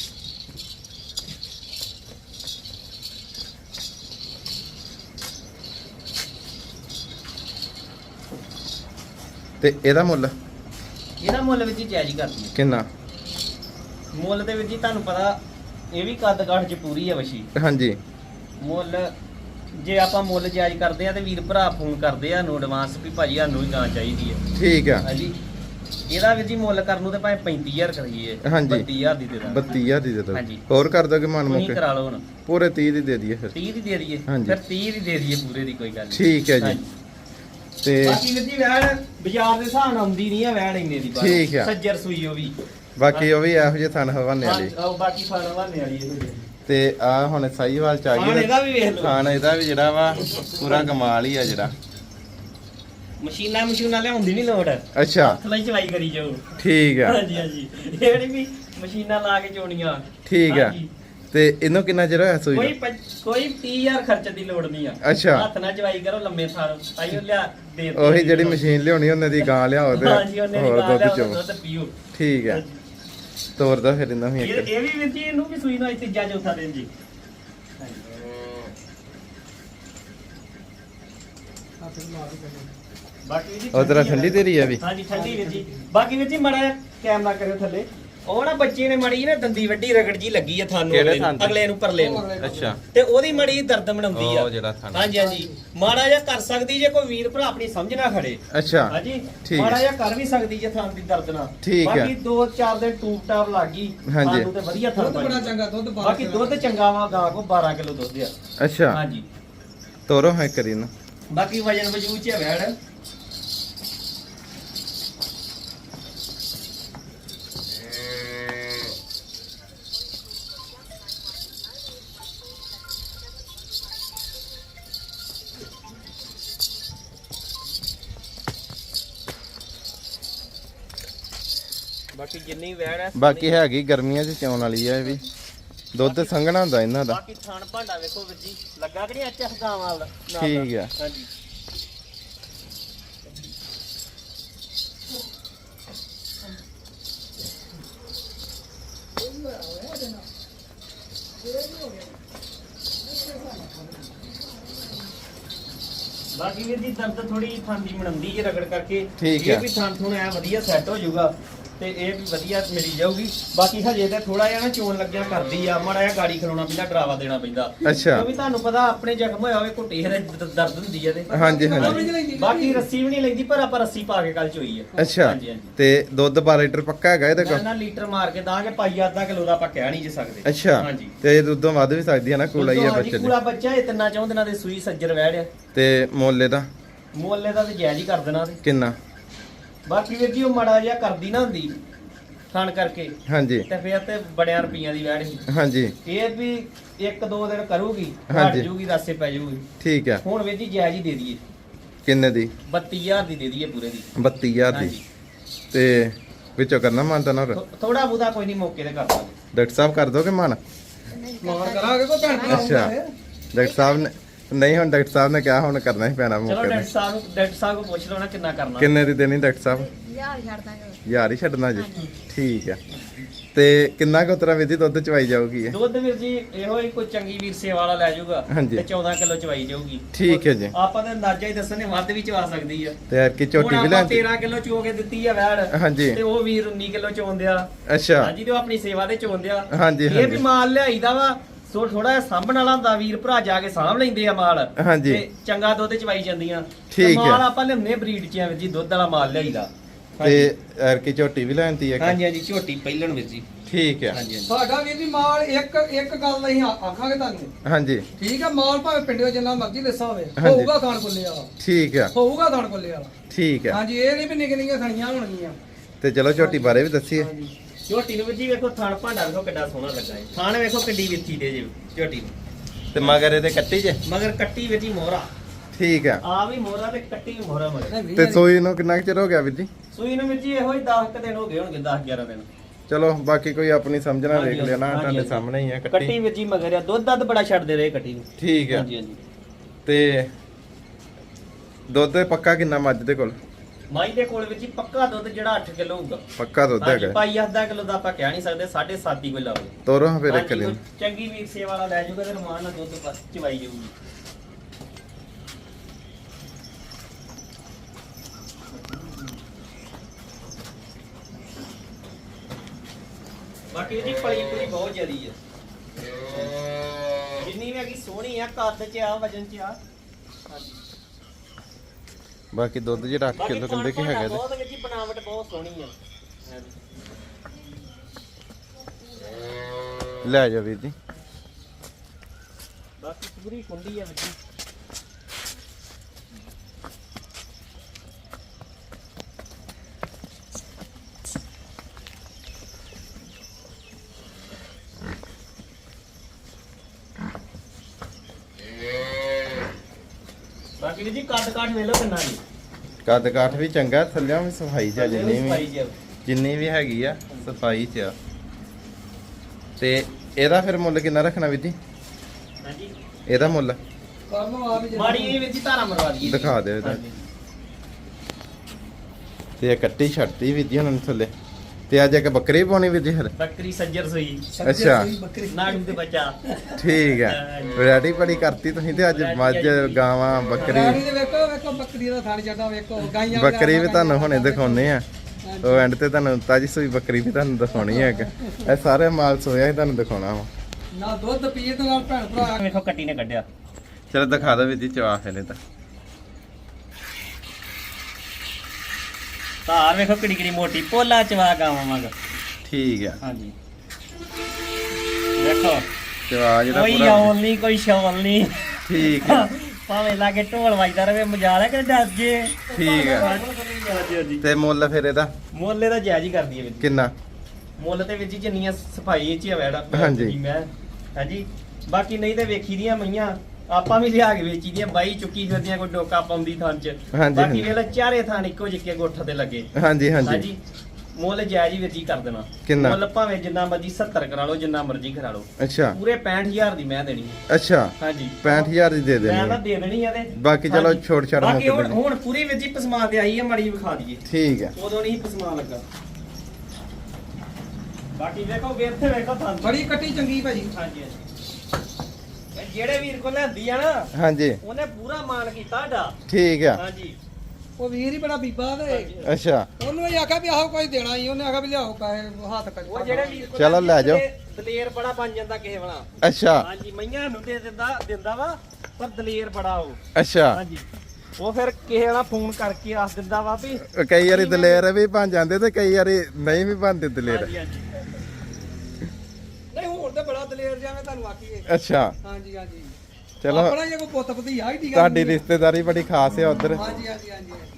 Speaker 1: ਤੇ ਇਹਦਾ ਮੁੱਲ
Speaker 2: ਇਹਦਾ ਮੁੱਲ ਵਿੱਚ ਹੀ ਜਾਇਜ਼ ਕਰਦੀ ਹੈ
Speaker 1: ਕਿੰਨਾ
Speaker 2: ਮੁੱਲ ਦੇ ਵਿੱਚ ਜੀ ਤੁਹਾਨੂੰ ਪਤਾ ਇਹ ਵੀ ਕੱਦ ਕਾਠ ਚ ਪੂਰੀ ਹੈ ਵਸ਼ੀ
Speaker 1: ਹਾਂਜੀ
Speaker 2: ਮੁੱਲ ਜੇ ਆਪਾਂ ਮੁੱਲ ਜਾਇਜ਼ ਕਰਦੇ ਆ ਤੇ ਵੀਰ ਭਰਾ ਫੋਨ ਕਰਦੇ ਆ ਨੂੰ ਐਡਵਾਂਸ ਵੀ ਭਾਜੀ ਸਾਨੂੰ ਹੀ ਗਾਂ ਚਾਹੀਦੀ ਹੈ
Speaker 1: ਠੀਕ ਆ
Speaker 2: ਹਾਂਜੀ ਇਹਦਾ ਵੀਰ ਜੀ ਮੁੱਲ ਕਰਨ ਨੂੰ ਤੇ ਭਾਵੇਂ ਪੈਂਤੀ ਹਜ਼ਾਰ ਕਰੀਏ
Speaker 1: ਹਾਂਜੀ।
Speaker 2: ਬੱਤੀ ਹਜ਼ਾਰ ਦੀ ਦੇ ਦਾਂਗੇ
Speaker 1: ਬੱਤੀ ਹਜ਼ਾਰ ਦੀ ਦੇ ਦੋ
Speaker 2: ਹਾਂਜੀ।
Speaker 1: ਹੋਰ ਕਰ ਦੋਗੇ ਮਨ
Speaker 2: ਤੁਸੀਂ
Speaker 1: ਮੁੱਕੇ
Speaker 2: ਕਰਾ ਲਓ ਹੁਣ
Speaker 1: ਪੂਰੇ ਤੀਹ ਦੀ ਦੇ ਦਈਏ ਫਿਰ
Speaker 2: ਤੀਹ ਦੀ ਦੇ ਦਈਏ
Speaker 1: ਹਾਂਜੀ।
Speaker 2: ਫਿਰ ਤੀਹ ਦੀ ਦੇ ਦਈਏ ਪੂਰੇ ਦੀ ਕੋਈ ਗੱਲ ਨਹੀਂ
Speaker 1: ਠੀਕ ਹੈ ਜੀ
Speaker 2: ਹਾਂਜੀ।
Speaker 1: ਤੇ
Speaker 2: ਬਾਕੀ ਵੀਰ ਜੀ ਵੈੜ ਬਾਜ਼ਾਰ ਦੇ ਹਿਸਾਬ ਨਾਲ ਆਉਂਦੀ ਨਹੀਂ ਆ ਵੈੜ ਇੰਨੇ ਦੀ ਬਾਹਰ।
Speaker 1: ਠੀਕ ਆ।
Speaker 2: ਸੱਜਰ ਸੂਈ ਉਹ ਵੀ
Speaker 1: ਬਾਕੀ ਉਹ ਵੀ ਇਹੋ ਜਿਹੇ ਥਣ ਹਵਾਨੇ ਵਾਲੇ
Speaker 2: ਹਾਂ, ਉਹ ਬਾਕੀ ਫਾਰਮ ਵਾਲੇ ਵਾਲੀ ਇਹੋ ਜਿਹੀ
Speaker 1: ਤੇ ਆ ਹੁਣ ਸਾਈਵਾਲ ਚ ਆ
Speaker 2: ਖਾਣ
Speaker 1: ਗਈ
Speaker 2: ਇਹਦਾ ਵੀ ਵੇਖ ਲਓ
Speaker 1: ਖਾਣ ਇਹਦਾ ਵੀ ਜਿਹੜਾ ਵਾ ਪੂਰਾ ਕਮਾਲ ਹੀ ਆ ਜਿਹੜਾ
Speaker 2: ਮਸ਼ੀਨਾਂ ਮਸ਼ੀਨਾਂ ਲਿਆਉਂਦੀ ਨਹੀਂ ਲੋੜ
Speaker 1: ਅੱਛਾ
Speaker 2: ਹੱਥ ਨਾਲ ਹੀ ਚਵਾਈ ਕਰੀ ਜਾਓ
Speaker 1: ਠੀਕ ਆ
Speaker 2: ਹਾਂਜੀ ਹਾਂਜੀ ਜਿਹੜੀ ਵੀ ਮਸ਼ੀਨਾਂ ਲਾ ਕੇ ਚੋਣੀਆਂ
Speaker 1: ਠੀਕ ਆ
Speaker 2: ਹਾਂਜੀ।
Speaker 1: ਤੇ ਇਹਨੂੰ ਕਿੰਨਾ ਚਿਰ ਹੋਇਆ ਸੂਈ
Speaker 2: ਕੋਈ
Speaker 1: ਨੂੰ?
Speaker 2: ਪੰ- ਕੋਈ ਤੀਹ ਹਜ਼ਾਰ ਖਰਚ ਦੀ ਲੋੜ ਨਹੀਂ ਆ
Speaker 1: ਅੱਛਾ।
Speaker 2: ਹੱਥ ਨਾਲ ਚਵਾਈ ਕਰੋ ਲੰਮੇ ਸਾਰ ਆਈਓ ਲਿਆ ਦੇ ਦਿੱਤੀ
Speaker 1: ਉਹੀ ਜਿਹੜੀ ਮਸ਼ੀਨ ਲਿਆਉਣੀ ਉਹਨੇ ਦੀ ਗਾਂ ਲਿਆਓ ਤੇ
Speaker 2: ਹਾਂਜੀ ਉਹਨੇ ਦੀ
Speaker 1: ਹੋਰ
Speaker 2: ਗਾਂ
Speaker 1: ਦੁੱਧ
Speaker 2: ਲਿਆਓ
Speaker 1: ਚੋ
Speaker 2: ਦੁੱਧ ਪੀਓ
Speaker 1: ਠੀਕ ਆ ਤੋਰਦਾ ਫਿਰ ਇਹਨਾਂ ਵੀ
Speaker 2: ਇਹ
Speaker 1: ਇੱਕ
Speaker 2: ਇਹ ਵੀ ਵੀਰ ਜੀ ਇਹਨੂੰ ਵੀ ਸੂਈ ਨਾਲ ਤੀਜਾ ਚੌਥਾ ਦਿਨ ਜੀ ਬਾਕੀ ਜੀ
Speaker 1: ਉਧਰ ਠੰਡੀ ਤੇਰੀ ਆ ਵੀ
Speaker 2: ਹਾਂਜੀ ਠੰਡੀ ਵੀਰ ਜੀ ਬਾਕੀ ਵੀਰ ਜੀ ਮੜਾ ਕੈਮਰਾ ਕਰਿਓ ਥੱਲੇ ਉਹ ਨਾ ਬੱਚੇ ਨੇ ਮੜੀ ਨਾ ਦੰਦੀ ਵੱਡੀ ਰਗੜ ਜੀ ਲੱਗੀ ਆ ਤੁਹਾਨੂੰ
Speaker 1: ਕਿਹੜੇ
Speaker 2: ਅਗਲੇ ਨੂੰ-
Speaker 1: ਥਾਂ ਤੇ?
Speaker 2: ਅਗਲੇ ਨੂੰ ਪਰਲੇ ਨੂੰ
Speaker 1: ਅੱਛਾ
Speaker 2: ਤੇ ਉਹਦੀ ਮੜੀ ਦਰਦ ਮਨਾਉਂਦੀ ਆ
Speaker 1: ਉਹ ਜਿਹੜਾ ਥਾਂ
Speaker 2: ਹਾਂਜੀ ਹਾਂਜੀ ਮਾੜਾ ਜਿਹਾ ਕਰ ਸਕਦੀ ਜੇ ਕੋਈ ਵੀਰ ਭਰਾ ਆਪਣੀ ਸਮਝ ਨਾ ਖੜੇ
Speaker 1: ਅੱਛਾ
Speaker 2: ਹਾਂਜੀ
Speaker 1: ਠੀਕ
Speaker 2: ਮਾੜਾ
Speaker 1: ਹੈ।
Speaker 2: ਜਿਹਾ ਕਰ ਵੀ ਸਕਦੀ ਜੇ ਥਾਂ ਦੀ ਦਰਦ ਨਾਲ
Speaker 1: ਠੀਕ ਹੈ।
Speaker 2: ਬਾਕੀ ਦੋ ਚਾਰ ਦਿਨ ਟੂਬ ਟਾਪ ਲੱਗ ਗਈ
Speaker 1: ਹਾਂਜੀ।
Speaker 2: ਸਾਨੂੰ ਤੇ ਵਧੀਆ ਥਾਂ
Speaker 3: ਦੁੱਧ ਬੜਾ
Speaker 2: ਬਣੀ।
Speaker 3: ਚੰਗਾ ਦੁੱਧ ਬਾਰਾਂ
Speaker 2: ਬਾਕੀ ਦੁੱਧ ਚੰਗਾ ਵਾ ਗਾਂ ਕੋ ਬਾਰਾਂ ਕਿਲੋ ਦੁੱਧ ਆ
Speaker 1: ਅੱਛਾ
Speaker 2: ਹਾਂਜੀ
Speaker 1: ਤੋਰੋ ਹੈ ਕਰੀ ਨਾ
Speaker 2: ਬਾਕੀ ਵਜਨ ਵਜੂਦ ਚ ਵੈੜ ਬਾਕੀ ਜਿੰਨੀ ਵੈੜ ਹੈ
Speaker 1: ਬਾਕੀ ਹੈਗੀ ਗਰਮੀਆਂ 'ਚ ਚੌਣ ਵਾਲੀ ਆ ਇਹ ਵੀ ਦੁੱਧ ਸੰਘਣਾ ਹੁੰਦਾ ਇਹਨਾਂ ਦਾ
Speaker 2: ਬਾਕੀ ਥਾਣ ਭਾਂਡਾ ਵੇਖੋ ਵੀਰ ਜੀ ਲੱਗਾ ਕਿ ਨਹੀਂ ਅੱਛਾ ਹਦਾਂ ਵਾਲ ਨਾਲ ਦਾ?
Speaker 1: ਠੀਕ ਆ।
Speaker 2: ਹਾਂਜੀ ਬਾਕੀ ਵੀਰ ਜੀ ਦਰਦ ਥੋੜੀ ਥਾਂ ਦੀ ਮਣੰਦੀ ਜੇ ਰਗੜ ਕਰਕੇ
Speaker 1: ਠੀਕ
Speaker 2: ਇਹ
Speaker 1: ਹੈ।
Speaker 2: ਵੀ ਥਾਂ ਥੋੜਾ ਐ ਵਧੀਆ ਸੈੱਟ ਹੋ ਜਾਊਗਾ ਤੇ ਇਹ ਵੀ ਵਧੀਆ ਮਿਲੀ ਜਾਊਗੀ ਬਾਕੀ ਹਜੇ ਤੇ ਥੋੜਾ ਜਿਹਾ ਨਾ ਚੋਣ ਲੱਗਿਆ ਕਰਦੀ ਆ ਮਾੜਾ ਜਿਹਾ ਗਾੜੀ ਖਲੋਣਾ ਪੈਂਦਾ ਡਰਾਵਾ ਦੇਣਾ ਪੈਂਦਾ
Speaker 1: ਅੱਛਾ
Speaker 2: ਕਿਉਂਕਿ ਤੁਹਾਨੂੰ ਪਤਾ ਆਪਣੇ ਜ਼ਖਮ ਹੋਇਆ ਹੋਵੇ ਘੁੱਟੀ ਦੇ ਦਰਦ ਹੁੰਦੀ ਹੈ ਤੇ
Speaker 1: ਹਾਂਜੀ ਹਾਂਜੀ
Speaker 2: ਬਾਕੀ ਰੱਸੀ ਵੀ ਨਹੀਂ ਲੈਂਦੀ ਪਰ ਆਪਾਂ ਰੱਸੀ ਪਾ ਕੇ ਕੱਲ ਚੋਈ ਆ
Speaker 1: ਅੱਛਾ
Speaker 2: ਹਾਂਜੀ ਹਾਂਜੀ
Speaker 1: ਤੇ ਦੁੱਧ ਬਾਰਾਂ ਲੀਟਰ ਪੱਕਾ ਹੈਗਾ ਇਹਦੇ
Speaker 2: ਨਾ
Speaker 1: ਕੋਲ
Speaker 2: ਨਾ ਲੀਟਰ ਮਾਰ ਕੇ ਦਾਂਗੇ ਪਾਈ ਅੱਧਾ ਕਿਲੋ ਦਾ ਆਪਾਂ ਕਹਿ ਨਹੀਂ ਜੇ ਸਕਦੇ
Speaker 1: ਅੱਛਾ
Speaker 2: ਹਾਂਜੀ
Speaker 1: ਤੇ ਇਹ ਦੁੱਧੋਂ ਵੱਧ ਵੀ ਸਕਦੀ ਹੈ ਨਾ ਕੋਲਾ ਹੀ ਆ
Speaker 2: ਹਾਂਜੀ,
Speaker 1: ਬੱਚੇ
Speaker 2: ਪੂਰਾ
Speaker 1: ਦੀ
Speaker 2: ਬੱਚਾ ਇਹ ਤਿੰਨਾਂ ਚੌਂ ਦਿਨਾਂ ਦੇ ਸੂਈ ਸੱਜਰ ਵਹਿੜ ਆ
Speaker 1: ਤੇ ਮੁੱਲ ਇਹਦਾ
Speaker 2: ਮੁੱਲੇ ਦਾ ਤੇ ਜਾਇਜ਼ ਹੀ ਕਰ ਦੇਣਾ ਤੇ
Speaker 1: ਕਿੰਨਾ
Speaker 2: ਬਾਕੀ ਵੀਰ ਜੀ ਉਹ ਮੜਾ ਜਿਹਾ ਕਰਦੀ ਨਾ ਹੁੰਦੀ ਖਾਣ ਕਰਕੇ
Speaker 1: ਹਾਂਜੀ
Speaker 2: ਤੇ ਫਿਰ ਤੇ ਬੜਿਆਂ ਰੁਪਈਆਂ ਦੀ ਵੈੜ ਸੀ
Speaker 1: ਹਾਂਜੀ
Speaker 2: ਇਹ ਵੀ ਇੱਕ ਦੋ ਦਿਨ ਕਰੂਗੀ ਘਟ
Speaker 1: ਹਾਂਜੀ।
Speaker 2: ਜੂਗੀ ਰਾਸੇ ਪੈ ਜੂਗੀ
Speaker 1: ਠੀਕ ਆ
Speaker 2: ਹੁਣ ਵੀਰ ਜੀ ਜਾਇਜ਼ ਹੀ ਦੇ ਦਈਏ
Speaker 1: ਕਿੰਨੇ ਦੀ
Speaker 2: ਬੱਤੀ ਹਜ਼ਾਰ ਦੀ ਦੇ ਦਈਏ ਪੂਰੇ ਦੀ
Speaker 1: ਬੱਤੀ ਹਜ਼ਾਰ ਦੀ
Speaker 2: ਹਾਂਜੀ
Speaker 1: ਤੇ ਵਿੱਚੋਂ ਕਰਨਾ ਮਾਨਤਾ ਨਾ ਹੋਰ
Speaker 2: ਥੋੜਾ ਬੁਦਾ ਕੋਈ ਨਹੀਂ ਮੌਕੇ ਤੇ ਕਰ ਦਾਂਗੇ
Speaker 1: ਡਾਕਟਰ ਸਾਹਿਬ ਕਰ ਦੋਗੇ ਮਾਨ
Speaker 3: ਮਾਰ ਕਰਾਂਗੇ ਕੋਈ ਭੈਣ ਭਰਾ
Speaker 1: ਅੱਛਾ
Speaker 3: ਆਉਂਦਾ ਹੈ।
Speaker 1: ਡਾਕਟਰ ਸਾਹਿਬ ਨੇ ਨਹੀਂ ਹੁਣ ਡਾਕਟਰ ਸਾਹਿਬ ਨੇ ਕਿਹਾ ਹੁਣ ਕਰਨਾ ਹੀ ਪੈਣਾ
Speaker 2: ਚਲੋ
Speaker 1: ਮੌਕੇ
Speaker 2: ਡਾਕਟਰ
Speaker 1: ਤੇ
Speaker 2: ਸਾਹਿਬ ਨੂੰ ਡਾਕਟਰ ਸਾਹਿਬ ਨੂੰ ਪੁੱਛ ਲਓ ਨਾ ਕਿੰਨਾ ਕਰਨਾ
Speaker 1: ਕਿੰਨੇ ਦੀ ਦੇਣੀ ਡਾਕਟਰ ਸਾਹਿਬ
Speaker 4: ਯਾਰ ਛੱਡ ਦਾਂਗੇ
Speaker 1: ਯਾਰ ਹੀ ਛੱਡਣਾ ਜੀ ਠੀਕ ਆ ਤੇ ਕਿੰਨਾ ਕੁ ਉਤਰਾ ਵਿਧੀ ਦੁੱਧ ਚਵਾਈ ਜਾਊਗੀ ਇਹ
Speaker 2: ਦੁੱਧ ਵੀਰ ਜੀ ਇਹੋ ਹੀ ਕੋਈ ਚੰਗੀ ਵੀਰ ਸੇਵਾ ਵਾਲਾ ਲੈ ਜਾਊਗਾ
Speaker 1: ਹਾਂਜੀ।
Speaker 2: ਤੇ ਚੌਦਾਂ ਕਿਲੋ ਚਵਾਈ ਜਾਊਗੀ
Speaker 1: ਠੀਕ ਹੈ ਜੀ
Speaker 2: ਆਪਾਂ ਤਾਂ ਅੰਦਾਜ਼ਾ ਹੀ ਦੱਸਣੇ ਵੱਧ ਵੀ ਚਵਾ ਸਕਦੀ ਆ
Speaker 1: ਤੇ ਯਾਰ ਕੀ ਝੋਟੀ
Speaker 2: ਹੁਣ
Speaker 1: ਵੀ
Speaker 2: ਆਪਾਂ
Speaker 1: ਲੈਂਦੀ
Speaker 2: ਤੇਰਾਂ ਕਿਲੋ ਚੋ ਕੇ ਦਿੱਤੀ ਆ ਵੈੜ
Speaker 1: ਹਾਂਜੀ
Speaker 2: ਤੇ ਉਹ ਵੀਰ ਉੱਨੀ ਕਿਲੋ ਚੋਂਦਿਆ
Speaker 1: ਅੱਛਾ
Speaker 2: ਹਾਂਜੀ ਤੇ ਉਹ ਆਪਣੀ ਸੇਵਾ ਤੇ ਚੋਂਦਿਆ
Speaker 1: ਹਾਂਜੀ,
Speaker 2: ਇਹ
Speaker 1: ਹਾਂਜੀ।
Speaker 2: ਵੀ ਮਾਲ ਲਿਆਈਦਾ ਵਾ ਸੋ ਥੋੜਾ ਜਿਹਾ ਸਾਂਭਣ ਵਾਲਾ ਹੁੰਦਾ ਵੀਰ ਭਰਾ ਜਾ ਕੇ ਸਾਂਭ ਲੈਂਦੇ ਆ ਮਾਲ
Speaker 1: ਹਾਂਜੀ।
Speaker 2: ਤੇ ਚੰਗਾ ਦੁੱਧ ਚਵਾਈ ਜਾਂਦੀਆਂ
Speaker 1: ਠੀਕ
Speaker 2: ਤੇ
Speaker 1: ਹੈ।
Speaker 2: ਮਾਲ ਆਪਾਂ ਲਿਆਉਂਦੇ ਬਰੀਡ ਚ ਆ ਵੀਰ ਜੀ ਦੁੱਧ ਵਾਲਾ ਮਾਲ ਲਿਆਈਦਾ
Speaker 1: ਤੇ ਯਾਰ ਕੀ ਝੋਟੀ ਵੀ ਲੈਂਦੀ ਹੈ
Speaker 2: ਹਾਂਜੀ ਹਾਂਜੀ ਝੋਟੀ ਪਹਿਲਣ ਵੀਰ ਜੀ
Speaker 1: ਠੀਕ ਆ
Speaker 2: ਹਾਂਜੀ ਹਾਂਜੀ
Speaker 3: ਸਾਡਾ ਵੀਰ ਜੀ ਮਾਲ ਇੱਕ ਇੱਕ ਗੱਲ ਨਹੀਂ ਆਖਾਂਗੇ ਤੁਹਾਨੂੰ
Speaker 1: ਹਾਂਜੀ
Speaker 3: ਠੀਕ ਹੈ ਮਾਲ ਭਾਵੇਂ ਪਿੰਡੋਂ ਜਿੰਨਾ ਮਰਜ਼ੀ ਲਿਸਾ ਹੋਵੇ
Speaker 1: ਹਾਂਜੀ।
Speaker 3: ਹੋਊਗਾ ਖਾਣ ਕੁੱਲੇ ਵਾਲਾ
Speaker 1: ਠੀਕ ਆ
Speaker 3: ਹੋਊਗਾ ਖਾਣ ਕੁੱਲੇ ਵਾਲਾ
Speaker 1: ਠੀਕ ਆ
Speaker 3: ਹਾਂਜੀ ਇਹ ਨਹੀਂ ਵੀ ਨਿੱਕੀਆਂ ਨਿੱਕੀਆਂ ਖਣੀਆਂ ਹੋਣਗੀਆਂ
Speaker 1: ਤੇ ਚਲੋ ਝੋਟੀ ਬਾਰੇ ਵੀ ਦੱਸੀਏ
Speaker 2: ਹਾਂਜੀ ਝੋਟੀ ਨੂੰ ਵੀਰ ਜੀ ਵੇਖੋ ਥਣ ਭਾਂਡਾ ਵੇਖੋ ਕਿੱਡਾ ਸੋਹਣਾ ਲੱਗਾ ਹੈ ਥਣ ਵੇਖੋ ਕਿੱਡੀ ਵਿੱਥੀ ਦੇ ਜੀ ਝੋਟੀ ਨੂੰ
Speaker 1: ਤੇ ਮਗਰ ਇਹਦੇ ਕੱਟੀ ਜੇ
Speaker 2: ਮਗਰ ਕੱਟੀ ਵੀਰ ਜੀ ਮੋਹਰਾ
Speaker 1: ਠੀਕ ਆ
Speaker 2: ਆ ਵੀ ਮੋਹਰਾ ਤੇ ਕੱਟੀ ਵੀ ਮੋਹਰਾ ਮਗਰ
Speaker 3: ਨਹੀਂ, ਵੀਹ
Speaker 1: ਤੇ ਸੋਈ ਨੂੰ ਕਿੰਨਾ ਕੁ ਚਿਰ ਹੋ ਗਿਆ ਵੀਰ ਜੀ
Speaker 2: ਸੂਈ ਨੂੰ ਵੀਰ ਜੀ ਇਹੋ ਹੀ ਦਸ ਕੁ ਦਿਨ ਹੋ ਗਏ ਹੋਣਗੇ ਦਸ ਗਿਆਰਾਂ ਦਿਨ
Speaker 1: ਚਲੋ ਬਾਕੀ ਕੋਈ ਆਪਣੀ ਸਮਝਣਾ ਵੇਖ
Speaker 2: ਹਾਂਜੀ,
Speaker 1: ਲਿਆ ਨਾ
Speaker 2: ਹਾਂਜੀ,
Speaker 1: ਤੁਹਾਡੇ
Speaker 2: ਹਾਂਜੀ।
Speaker 1: ਸਾਹਮਣੇ ਹੀ ਆ
Speaker 2: ਕੱਟੀ
Speaker 1: ਕੱਟੀ
Speaker 2: ਵੀਰ ਜੀ ਮਗਰ ਆ ਦੁੱਧ ਦੱਧ ਬੜਾ ਛੱਡਦੇ ਰਹੇ ਕੱਟੀ ਨੂੰ
Speaker 1: ਠੀਕ ਆ
Speaker 2: ਹਾਂਜੀ ਹਾਂਜੀ
Speaker 1: ਤੇ ਦੁੱਧ ਪੱਕਾ ਕਿੰਨਾ ਮੱਝ ਦੇ ਕੋਲ
Speaker 2: ਮਾਈ ਦੇ ਕੋਲ ਵੀਰ ਜੀ ਪੱਕਾ ਦੁੱਧ ਜਿਹੜਾ ਅੱਠ ਕਿਲੋ ਹੋਊਗਾ
Speaker 1: ਪੱਕਾ ਦੁੱਧ
Speaker 2: ਹਾਂਜੀ
Speaker 1: ਹੈਗਾ
Speaker 2: ਪਾਈ ਅੱਧਾ ਕਿਲੋ ਦਾ ਆਪਾਂ ਕਹਿ ਨਹੀਂ ਸਕਦੇ ਸਾਢੇ ਸੱਤ ਹੀ ਕੋਈ ਲਾਵੇ
Speaker 1: ਤੋਰੋ ਫਿਰ ਇੱਕ
Speaker 2: ਹਾਂਜੀ,
Speaker 1: ਦਿਨ
Speaker 2: ਕੋਈ ਚੰਗੀ ਵੀਰ ਸੇਵਾ ਵਾਲਾ ਲੈ ਜਾਊਗਾ ਤੇ ਰਮਾਨ ਨਾਲ ਦੁੱਧ ਬਸ ਚਵਾਈ ਜਾਊਗੀ ਬਾਕੀ ਜੀ ਪਲੀ ਪਲੀ ਬਹੁਤ ਜ਼ਿਆਦੀ ਹੈ ਜਿੰਨੀ ਵੀ ਹੈਗੀ ਸੋਹਣੀ ਆ ਕੱਦ ਚ ਆ ਵਜਨ ਚ ਆ ਹਾਂਜੀ
Speaker 1: ਬਾਕੀ ਦੁੱਧ ਜਿਹੜਾ ਅੱਠ
Speaker 2: ਬਾਕੀ
Speaker 1: ਕਿਲੋ ਕਹਿੰਦੇ ਕਿ
Speaker 2: ਭਾਂਡਾ
Speaker 1: ਹੈਗਾ ਇਹਦੇ
Speaker 2: ਬਹੁਤ ਹੈ ਜੀ ਬਣਾਵਟ ਬਹੁਤ ਸੋਹਣੀ ਆ ਹਾਂਜੀ।
Speaker 1: ਲੈ ਜਾ ਵੀਰ ਜੀ
Speaker 2: ਬਾਕੀ ਪੂਰੀ ਕੁੰਡੀ ਆ ਜੀ ਬਾਕੀ ਵੀਰ ਜੀ ਕੱਦ ਕਾਠ ਵੇਖ ਲਓ ਕਿੰਨਾ ਜੀ
Speaker 1: ਕੱਦ ਕਾਠ ਵੀ ਚੰਗਾ ਥੱਲਿਆਂ ਵੀ ਸਫਾਈ ਚ ਆ ਜਿੰਨੀ
Speaker 2: ਸਫਾਈ
Speaker 1: ਵੀ
Speaker 2: ਜੀ ਆ।
Speaker 1: ਜਿੰਨੀ ਵੀ ਹੈਗੀ ਆ ਸਫਾਈ ਚ ਆ ਤੇ ਇਹਦਾ ਫਿਰ ਮੁੱਲ ਕਿੰਨਾ ਰੱਖਣਾ ਵੀਰ ਜੀ
Speaker 2: ਹਾਂਜੀ
Speaker 1: ਇਹਦਾ ਮੁੱਲ
Speaker 3: ਕਰਨ ਆ ਵੀ
Speaker 2: ਮਾੜੀ ਇਹ ਵਿੱਚ ਧਾਰਾ ਮਰਵਾ ਦਈਏ
Speaker 1: ਦਿਖਾ ਦਿਓ ਇਹਦਾ।
Speaker 2: ਹਾਂਜੀ।
Speaker 1: ਤੇ ਇਹ ਕੱਟੀ ਛੱਡਤੀ ਵੀਰ ਜੀ ਉਹਨਾਂ ਨੇ ਥੱਲੇ ਤੇ ਅੱਜ ਇੱਕ ਬੱਕਰੀ ਪਾਉਣੀ ਵੀਰ ਜੀ ਫਿਰ
Speaker 2: ਬੱਕਰੀ ਸੱਜਰ ਸੂਈ
Speaker 1: ਅੱਛਾ।
Speaker 3: ਬੱਕਰੀ
Speaker 2: ਨਾੜੂ ਦੇ ਬੱਚਾ
Speaker 1: ਠੀਕ ਹੈ ਵੈਰਾਈਟੀ ਬੜੀ ਕਰਤੀ ਤੁਸੀਂ ਤੇ ਅੱਜ ਮੱਝ ਗਾਵਾਂ ਬੱਕਰੀ
Speaker 3: ਰਾਣੀ ਦੇ ਵੇਖੋ ਵੇਖੋ ਬੱਕਰੀ ਦਾ ਥਾਣ ਚੱਡਾ ਵੇਖੋ ਗਾਈਆਂ
Speaker 1: ਬੱਕਰੀ ਵੀ ਤੁਹਾਨੂੰ ਹੁਣੇ ਦਿਖਾਉਣੇ ਆ ਉਹ ਐਂਡ ਤੇ ਤੁਹਾਨੂੰ ਤਾਜੀ ਸੂਈ ਬੱਕਰੀ ਵੀ ਤੁਹਾਨੂੰ ਦਿਖਾਉਣੀ ਹੈ ਇੱਕ ਇਹ ਸਾਰੇ ਮਾਲ ਸੋਇਆ ਹੀ ਤੁਹਾਨੂੰ ਦਿਖਾਉਣਾ ਵਾ
Speaker 3: ਨਾ ਦੁੱਧ ਪੀਏ ਤੇ ਨਾਲ ਭੈਣ ਭਰਾ
Speaker 2: ਵੇਖੋ ਕੱਟੀ ਨੇ ਕੱਢਿਆ
Speaker 1: ਚਲੋ ਦਿਖਾ ਦਿਓ ਵੀਰ ਜੀ ਚਵਾ ਫੇਲੇ ਤਾਂ
Speaker 2: ਧਾਰ ਵੇਖੋ ਕਿੜੀ ਕਿੜੀ ਮੋਟੀ ਪੋਲਾ ਚਵਾ ਗਾਵਾਂ ਵਾਂਗ
Speaker 1: ਠੀਕ ਆ
Speaker 2: ਹਾਂਜੀ ਵੇਖੋ
Speaker 1: ਚਵਾ ਜਿਹੜਾ
Speaker 2: ਕੋਈ
Speaker 1: ਪੂਰਾ
Speaker 2: ਆਉਣ ਨਹੀਂ ਕੋਈ ਸ਼ੌਲ ਨਹੀਂ
Speaker 1: ਠੀਕ ਆ
Speaker 2: ਭਾਵੇਂ ਲਾਗੇ ਢੋਲ ਵੱਜਦਾ ਰਵੇ ਮਜਾਲ ਹੈ ਕਿ ਡਰ ਜੇ
Speaker 1: ਠੀਕ ਆ
Speaker 2: ਹਾਂਜੀ ਹਾਂਜੀ
Speaker 1: ਤੇ ਮੁੱਲ ਫਿਰ ਇਹਦਾ
Speaker 2: ਮੁੱਲ ਇਹਦਾ ਜਾਇਜ਼ ਹੀ ਕਰਦੀ ਹੈ ਵੀਰ ਜੀ
Speaker 1: ਕਿੰਨਾ
Speaker 2: ਮੁੱਲ ਤੇ ਵੀਰ ਜੀ ਜਿੰਨੀਆਂ ਸਫਾਈ ਚ ਵੈੜਾ
Speaker 1: ਹਾਂਜੀ।
Speaker 2: ਮੈਂ ਹਾਂਜੀ ਬਾਕੀ ਨਹੀਂ ਤੇ ਵੇਖੀ ਦੀਆਂ ਮਈਆਂ ਆਪਾਂ ਵੀ ਲਿਆ ਕੇ ਵੇਚੀ ਦੀਆਂ ਬਾਈ ਚੁੱਕੀ ਫਿਰਦੀਆਂ ਕੋਈ ਡੋਕਾ ਪਾਉਂਦੀ ਥਾਂ ਚ
Speaker 1: ਹਾਂਜੀ,
Speaker 2: ਬਾਕੀ
Speaker 1: ਹਾਂਜੀ।
Speaker 2: ਵੇਲਾ ਚਾਰੇ ਥਾਂ ਇੱਕੋ ਜਿੱਕੇ ਗੋਠ ਤੇ ਲੱਗੇ
Speaker 1: ਹਾਂਜੀ ਹਾਂਜੀ
Speaker 2: ਹਾਂਜੀ ਮੁੱਲ ਜਾਇਜ਼ ਹੀ ਵੀਰ ਜੀ ਕਰ ਦੇਣਾ
Speaker 1: ਕਿੰਨਾ?
Speaker 2: ਮੁੱਲ ਭਾਵੇਂ ਜਿੰਨਾ ਮਰਜੀ ਸੱਤਰ ਕਰਾ ਲਓ ਜਿੰਨਾ ਮਰਜੀ ਕਰਾ ਲਓ
Speaker 1: ਅੱਛਾ
Speaker 2: ਪੂਰੇ ਪੈਂਹਠ ਹਜ਼ਾਰ ਦੀ ਮੈਂ ਦੇਣੀ ਹੈ
Speaker 1: ਅੱਛਾ
Speaker 2: ਹਾਂਜੀ
Speaker 1: ਪੈਂਹਠ ਹਜ਼ਾਰ ਦੀ ਦੇ
Speaker 2: ਮੈਂ
Speaker 1: ਦੇਣੀ
Speaker 2: ਤਾਂ
Speaker 1: ਹੈ।
Speaker 2: ਦੇ ਦੇਣੀ ਆ ਤੇ
Speaker 1: ਬਾਕੀ ਚਲੋ
Speaker 2: ਹਾਂਜੀ।
Speaker 1: ਛੋਟ ਛਾੜ
Speaker 2: ਬਾਕੀ
Speaker 1: ਮੁੱਕ
Speaker 2: ਹੁਣ
Speaker 1: ਦੇਣੀ
Speaker 2: ਹੁਣ ਪੂਰੀ ਵੀਰ ਜੀ ਪਸਮਾ ਤੇ ਆਈ ਹੈ ਮਾੜੀ ਜਿਹੀ ਵਿਖਾ ਦਈਏ
Speaker 1: ਠੀਕ ਹੈ
Speaker 2: ਉਦੋਂ ਨਹੀਂ ਪਸਮਾ ਲੱਗਾ ਬਾਕੀ ਵੇਖੋ ਵੇ ਇੱਥੇ ਵੇਖੋ ਥਾਂ
Speaker 3: ਬੜੀ ਕੱਟੀ ਚੰਗੀ ਭਾਜੀ
Speaker 2: ਹਾਂਜੀ ਹਾਂਜੀ ਇਹ ਜਿਹੜੇ ਵੀਰ ਕੋਲ ਲੈਂਦੀ ਆ ਨਾ
Speaker 1: ਹਾਂਜੀ
Speaker 2: ਉਹਨੇ ਪੂਰਾ ਮਾਨ ਕੀਤਾ ਸਾਡਾ
Speaker 1: ਠੀਕ ਆ
Speaker 2: ਹਾਂਜੀ
Speaker 3: ਉਹ ਵੀਰ ਹੀ ਬੜਾ ਬੀਬਾ ਤੇ
Speaker 1: ਅੱਛਾ
Speaker 3: ਉਹਨੂੰ ਇਹ ਆਖਿਆ ਵੀ ਆਹੋ ਕੋਈ ਦੇਣਾ ਹੀ ਉਹਨੇ ਆਖਿਆ ਵੀ ਲਿਆਓ ਪੈਸੇ ਹੱਥ ਕੱਟ
Speaker 2: ਉਹ ਜਿਹੜੇ ਵੀਰ ਕੋਲ
Speaker 1: ਚਲੋ ਲੈ ਜਾਓ।
Speaker 2: ਦਲੇਰ ਬੜਾ ਬਣ ਜਾਂਦਾ ਕਿਸੇ ਵਾਲਾ
Speaker 1: ਅੱਛਾ
Speaker 2: ਹਾਂਜੀ ਮਈਆਂ ਨੂੰ ਦੇ ਦਿੰਦਾ ਦਿੰਦਾ ਵਾ ਪਰ ਦਲੇਰ ਬੜਾ ਉਹ
Speaker 1: ਅੱਛਾ
Speaker 2: ਹਾਂਜੀ ਉਹ ਫਿਰ ਕਿਸੇ ਵਾਲਾ ਫੋਨ ਕਰਕੇ ਆਖ ਦਿੰਦਾ ਵਾ ਵੀ
Speaker 1: ਕਈ ਵਾਰੀ ਦਲੇਰ ਵੀ ਬਣ ਜਾਂਦੇ ਤੇ ਕਈ ਵਾਰੀ ਨਹੀਂ ਵੀ ਬਣਦੇ ਦਲੇਰ
Speaker 2: ਹਾਂਜੀ ਹਾਂਜੀ
Speaker 3: ਨਹੀਂ ਹੋਰ ਤੇ ਬੜਾ ਦਲੇਰ ਜਿਵੇਂ ਤੁਹਾਨੂੰ ਆਖੀਏ
Speaker 1: ਅੱਛਾ
Speaker 3: ਹਾਂਜੀ ਹਾਂਜੀ
Speaker 1: ਚਲੋ
Speaker 3: ਆਪਣਾ ਜੇ ਕੋਈ ਪੁੱਤ ਭਤੀਆ ਹੀ ਠੀਕ
Speaker 1: ਤੁਹਾਡੀ ਰਿਸ਼ਤੇਦਾਰੀ ਬੜੀ ਖਾਸ ਹੈ ਉਧਰ
Speaker 3: ਹਾਂਜੀ ਹਾਂਜੀ ਹਾਂਜੀ ਹਾਂਜੀ।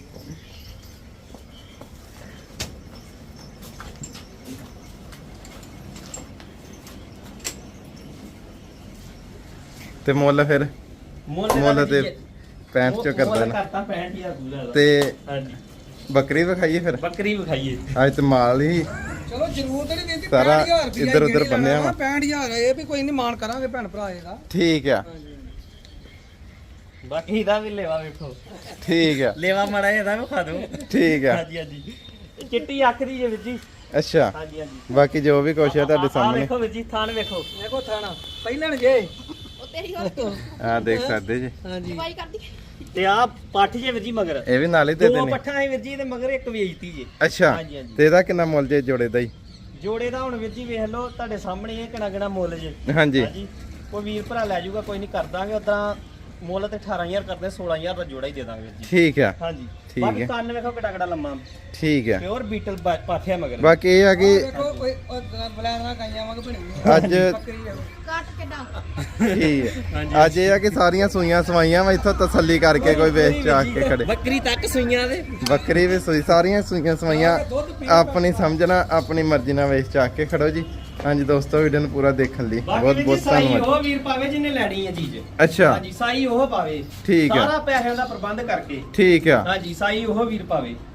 Speaker 1: ਤੇ ਮੁੱਲ ਫਿਰ
Speaker 2: ਮੁੱਲ ਦਾ
Speaker 1: ਮੁੱਲ ਤੇ
Speaker 2: ਵੀ ਜੀ-
Speaker 1: ਪੈਂਹਠ ਚੋਂ ਕਰ
Speaker 2: ਮੁੱਲ
Speaker 1: ਦੇਣਾ
Speaker 2: ਕਰਤਾ ਪੈਂਹਠ ਹਜ਼ਾਰ ਪੂਰਾ ਦਾ।
Speaker 1: ਤੇ
Speaker 2: ਹਾਂਜੀ
Speaker 1: ਬੱਕਰੀ ਵਿਖਾਈਏ ਫਿਰ
Speaker 2: ਬੱਕਰੀ ਵਿਖਾਈਏ
Speaker 1: ਅੱਜ ਤੇ ਮਾਲ ਹੀ
Speaker 3: ਚਲੋ ਜ਼ਰੂਰ ਤੇ ਨਹੀਂ ਕਹਿੰਦੀ
Speaker 1: ਸਾਰਾ
Speaker 3: ਪੈਂਹਠ ਹਜ਼ਾਰ ਰੁਪਇਆ
Speaker 1: ਇੱਧਰ ਉੱਧਰ ਬੰਨਿਆ ਵਾ।
Speaker 3: ਪੈਂਹਠ ਹਜ਼ਾਰ ਇਹ ਵੀ ਕੋਈ ਨਹੀਂ ਮਾਨ ਕਰਾਂਗੇ ਭੈਣ ਭਰਾ ਇਹਦਾ
Speaker 1: ਠੀਕ ਆ
Speaker 3: ਹਾਂਜੀ
Speaker 2: ਬਾਕੀ ਦਾ ਵੀ ਲੇਵਾ ਵੇਖੋ
Speaker 1: ਠੀਕ ਆ
Speaker 2: ਲੇਵਾ ਮੜਾ ਇਹਦਾ ਵਿਖਾ ਦਿਓ
Speaker 1: ਠੀਕ ਆ
Speaker 2: ਹਾਂਜੀ ਹਾਂਜੀ ਇਹ ਚਿੱਟੀ ਅੱਖ ਦੀ ਜੇ ਵੀਰ ਜੀ
Speaker 1: ਅੱਛਾ
Speaker 2: ਹਾਂਜੀ ਹਾਂਜੀ
Speaker 1: ਬਾਕੀ ਜੋ ਵੀ ਕੁਛ ਹੈ ਤੁਹਾਡੇ
Speaker 2: ਆਹ
Speaker 1: ਸਾਹਮਣੇ
Speaker 2: ਵੇਖੋ ਵੀਰ ਜੀ ਥਾਨ ਵੇਖੋ
Speaker 3: ਦੇਖੋ ਥਾਣਾ ਪਹਿਲਣ ਜੇ
Speaker 1: ਆ ਦੇਖ ਸਕਦੇ ਜੀ
Speaker 3: ਹਾਂਜੀ
Speaker 2: ਤੇ ਆ ਪੱਠ ਜੇ ਵੀਰ ਜੀ ਮਗਰ
Speaker 1: ਇਹ ਵੀ ਨਾਲ ਹੀ ਦੇ
Speaker 2: ਦੋ
Speaker 1: ਦੇਣੇ
Speaker 2: ਪੱਠਾਂ ਹੈ ਵੀਰ ਜੀ ਤੇ ਮਗਰ ਇੱਕ ਵੇਚਤੀ ਜੇ
Speaker 1: ਅੱਛਾ
Speaker 2: ਹਾਂਜੀ, ਹਾਂਜੀ।
Speaker 1: ਤੇ ਇਹਦਾ ਕਿੰਨਾ ਮੁੱਲ ਜੇ ਜੋੜੇ ਦਾ ਹੀ
Speaker 2: ਜੋੜੇ ਦਾ ਹੁਣ ਵੀਰ ਜੀ ਵੇਖ ਲਓ ਤੁਹਾਡੇ ਸਾਹਮਣੇ ਇਹ ਕਿਹੜਾ ਕਿਹੜਾ ਮੁੱਲ ਜੇ
Speaker 1: ਹਾਂਜੀ
Speaker 2: ਕੋਈ ਵੀਰ ਭਰਾ ਲੈ ਜਾਊਗਾ ਕੋਈ ਨਹੀਂ ਕਰ ਦਾਂਗੇ ਉਦਾਂ ਮੁੱਲ ਤੇ ਅਠਾਰਾਂ ਹਜ਼ਾਰ ਕਰਦੇ ਸੋਲਾਂ ਹਜ਼ਾਰ ਦਾ ਜੋੜਾ ਹੀ ਦੇ ਦਾਂਗੇ ਵੀਰ ਜੀ
Speaker 1: ਠੀਕ ਆ
Speaker 2: ਹਾਂਜੀ
Speaker 1: ਠੀਕ
Speaker 2: ਬਾਕੀ
Speaker 1: ਹੈ।
Speaker 2: ਕੰਨ ਵੇਖੋ ਕਿੱਡਾ ਕਿੱਡਾ ਲੰਮਾ
Speaker 1: ਠੀਕ ਆ
Speaker 2: ਪਿਓਰ ਬੀਟਲ ਪਾਥਿਆ ਮਗਰ
Speaker 1: ਬਾਕੀ ਇਹ ਆ ਕਿ
Speaker 3: ਦੇਖੋ ਕੋਈ ਬਲੈਣਾ ਕਾਈਆਂ ਵਾਂਗ ਬਣੀ ਹੋਈ
Speaker 1: ਅੱਜ
Speaker 3: ਬੱਕਰੀ ਆ।
Speaker 4: ਕੱਟ ਕਿੱਦਾਂ
Speaker 1: ਠੀਕ ਹੈ ਅੱਜ ਇਹ ਆ ਕਿ ਸਾਰੀਆਂ ਸੂਈਆਂ ਸਵਾਈਆਂ ਵਾ ਇੱਥੋਂ ਤਸੱਲੀ ਕਰਕੇ ਕੋਈ ਵੇਚ ਚਾ ਕੇ ਖੜੇ
Speaker 2: ਬੱਕਰੀ ਤੱਕ ਸੂਈਆਂ ਦੇ
Speaker 1: ਬੱਕਰੀ ਵੀ ਸੂਈ ਸਾਰੀਆਂ ਸੂਈਆਂ ਸਵਾਈਆਂ ਆਪਣੀ ਸਮਝਣਾ ਆਪਣੀ ਮਰਜ਼ੀ ਨਾਲ ਵੇਚ ਚਾ ਕੇ ਖੜੋ ਜੀ ਹਾਂਜੀ ਦੋਸਤੋ ਵੀਡੀਓ ਨੂੰ ਪੂਰਾ ਦੇਖਣ ਲਈ
Speaker 2: ਬਾਕੀ
Speaker 1: ਬਹੁਤ
Speaker 2: ਵੀਰ ਜੀ
Speaker 1: ਬਹੁਤ
Speaker 2: ਸਾਈ
Speaker 1: ਧੰਨਵਾਦ
Speaker 2: ਉਹ ਵੀਰ ਪਾਵੇ ਜਿਹਨੇ ਲੈਣੀ ਹੈ ਚੀਜ਼
Speaker 1: ਅੱਛਾ
Speaker 2: ਹਾਂਜੀ ਸਾਈ ਉਹ ਪਾਵੇ
Speaker 1: ਠੀਕ ਆ।
Speaker 2: ਸਾਰਾ ਪੈਸਿਆਂ ਦਾ ਪ੍ਰਬੰਧ ਕਰਕੇ
Speaker 1: ਠੀਕ ਆ
Speaker 2: ਹਾਂਜੀ ਸਾਈ ਉਹ ਵੀਰ ਪਾਵੇ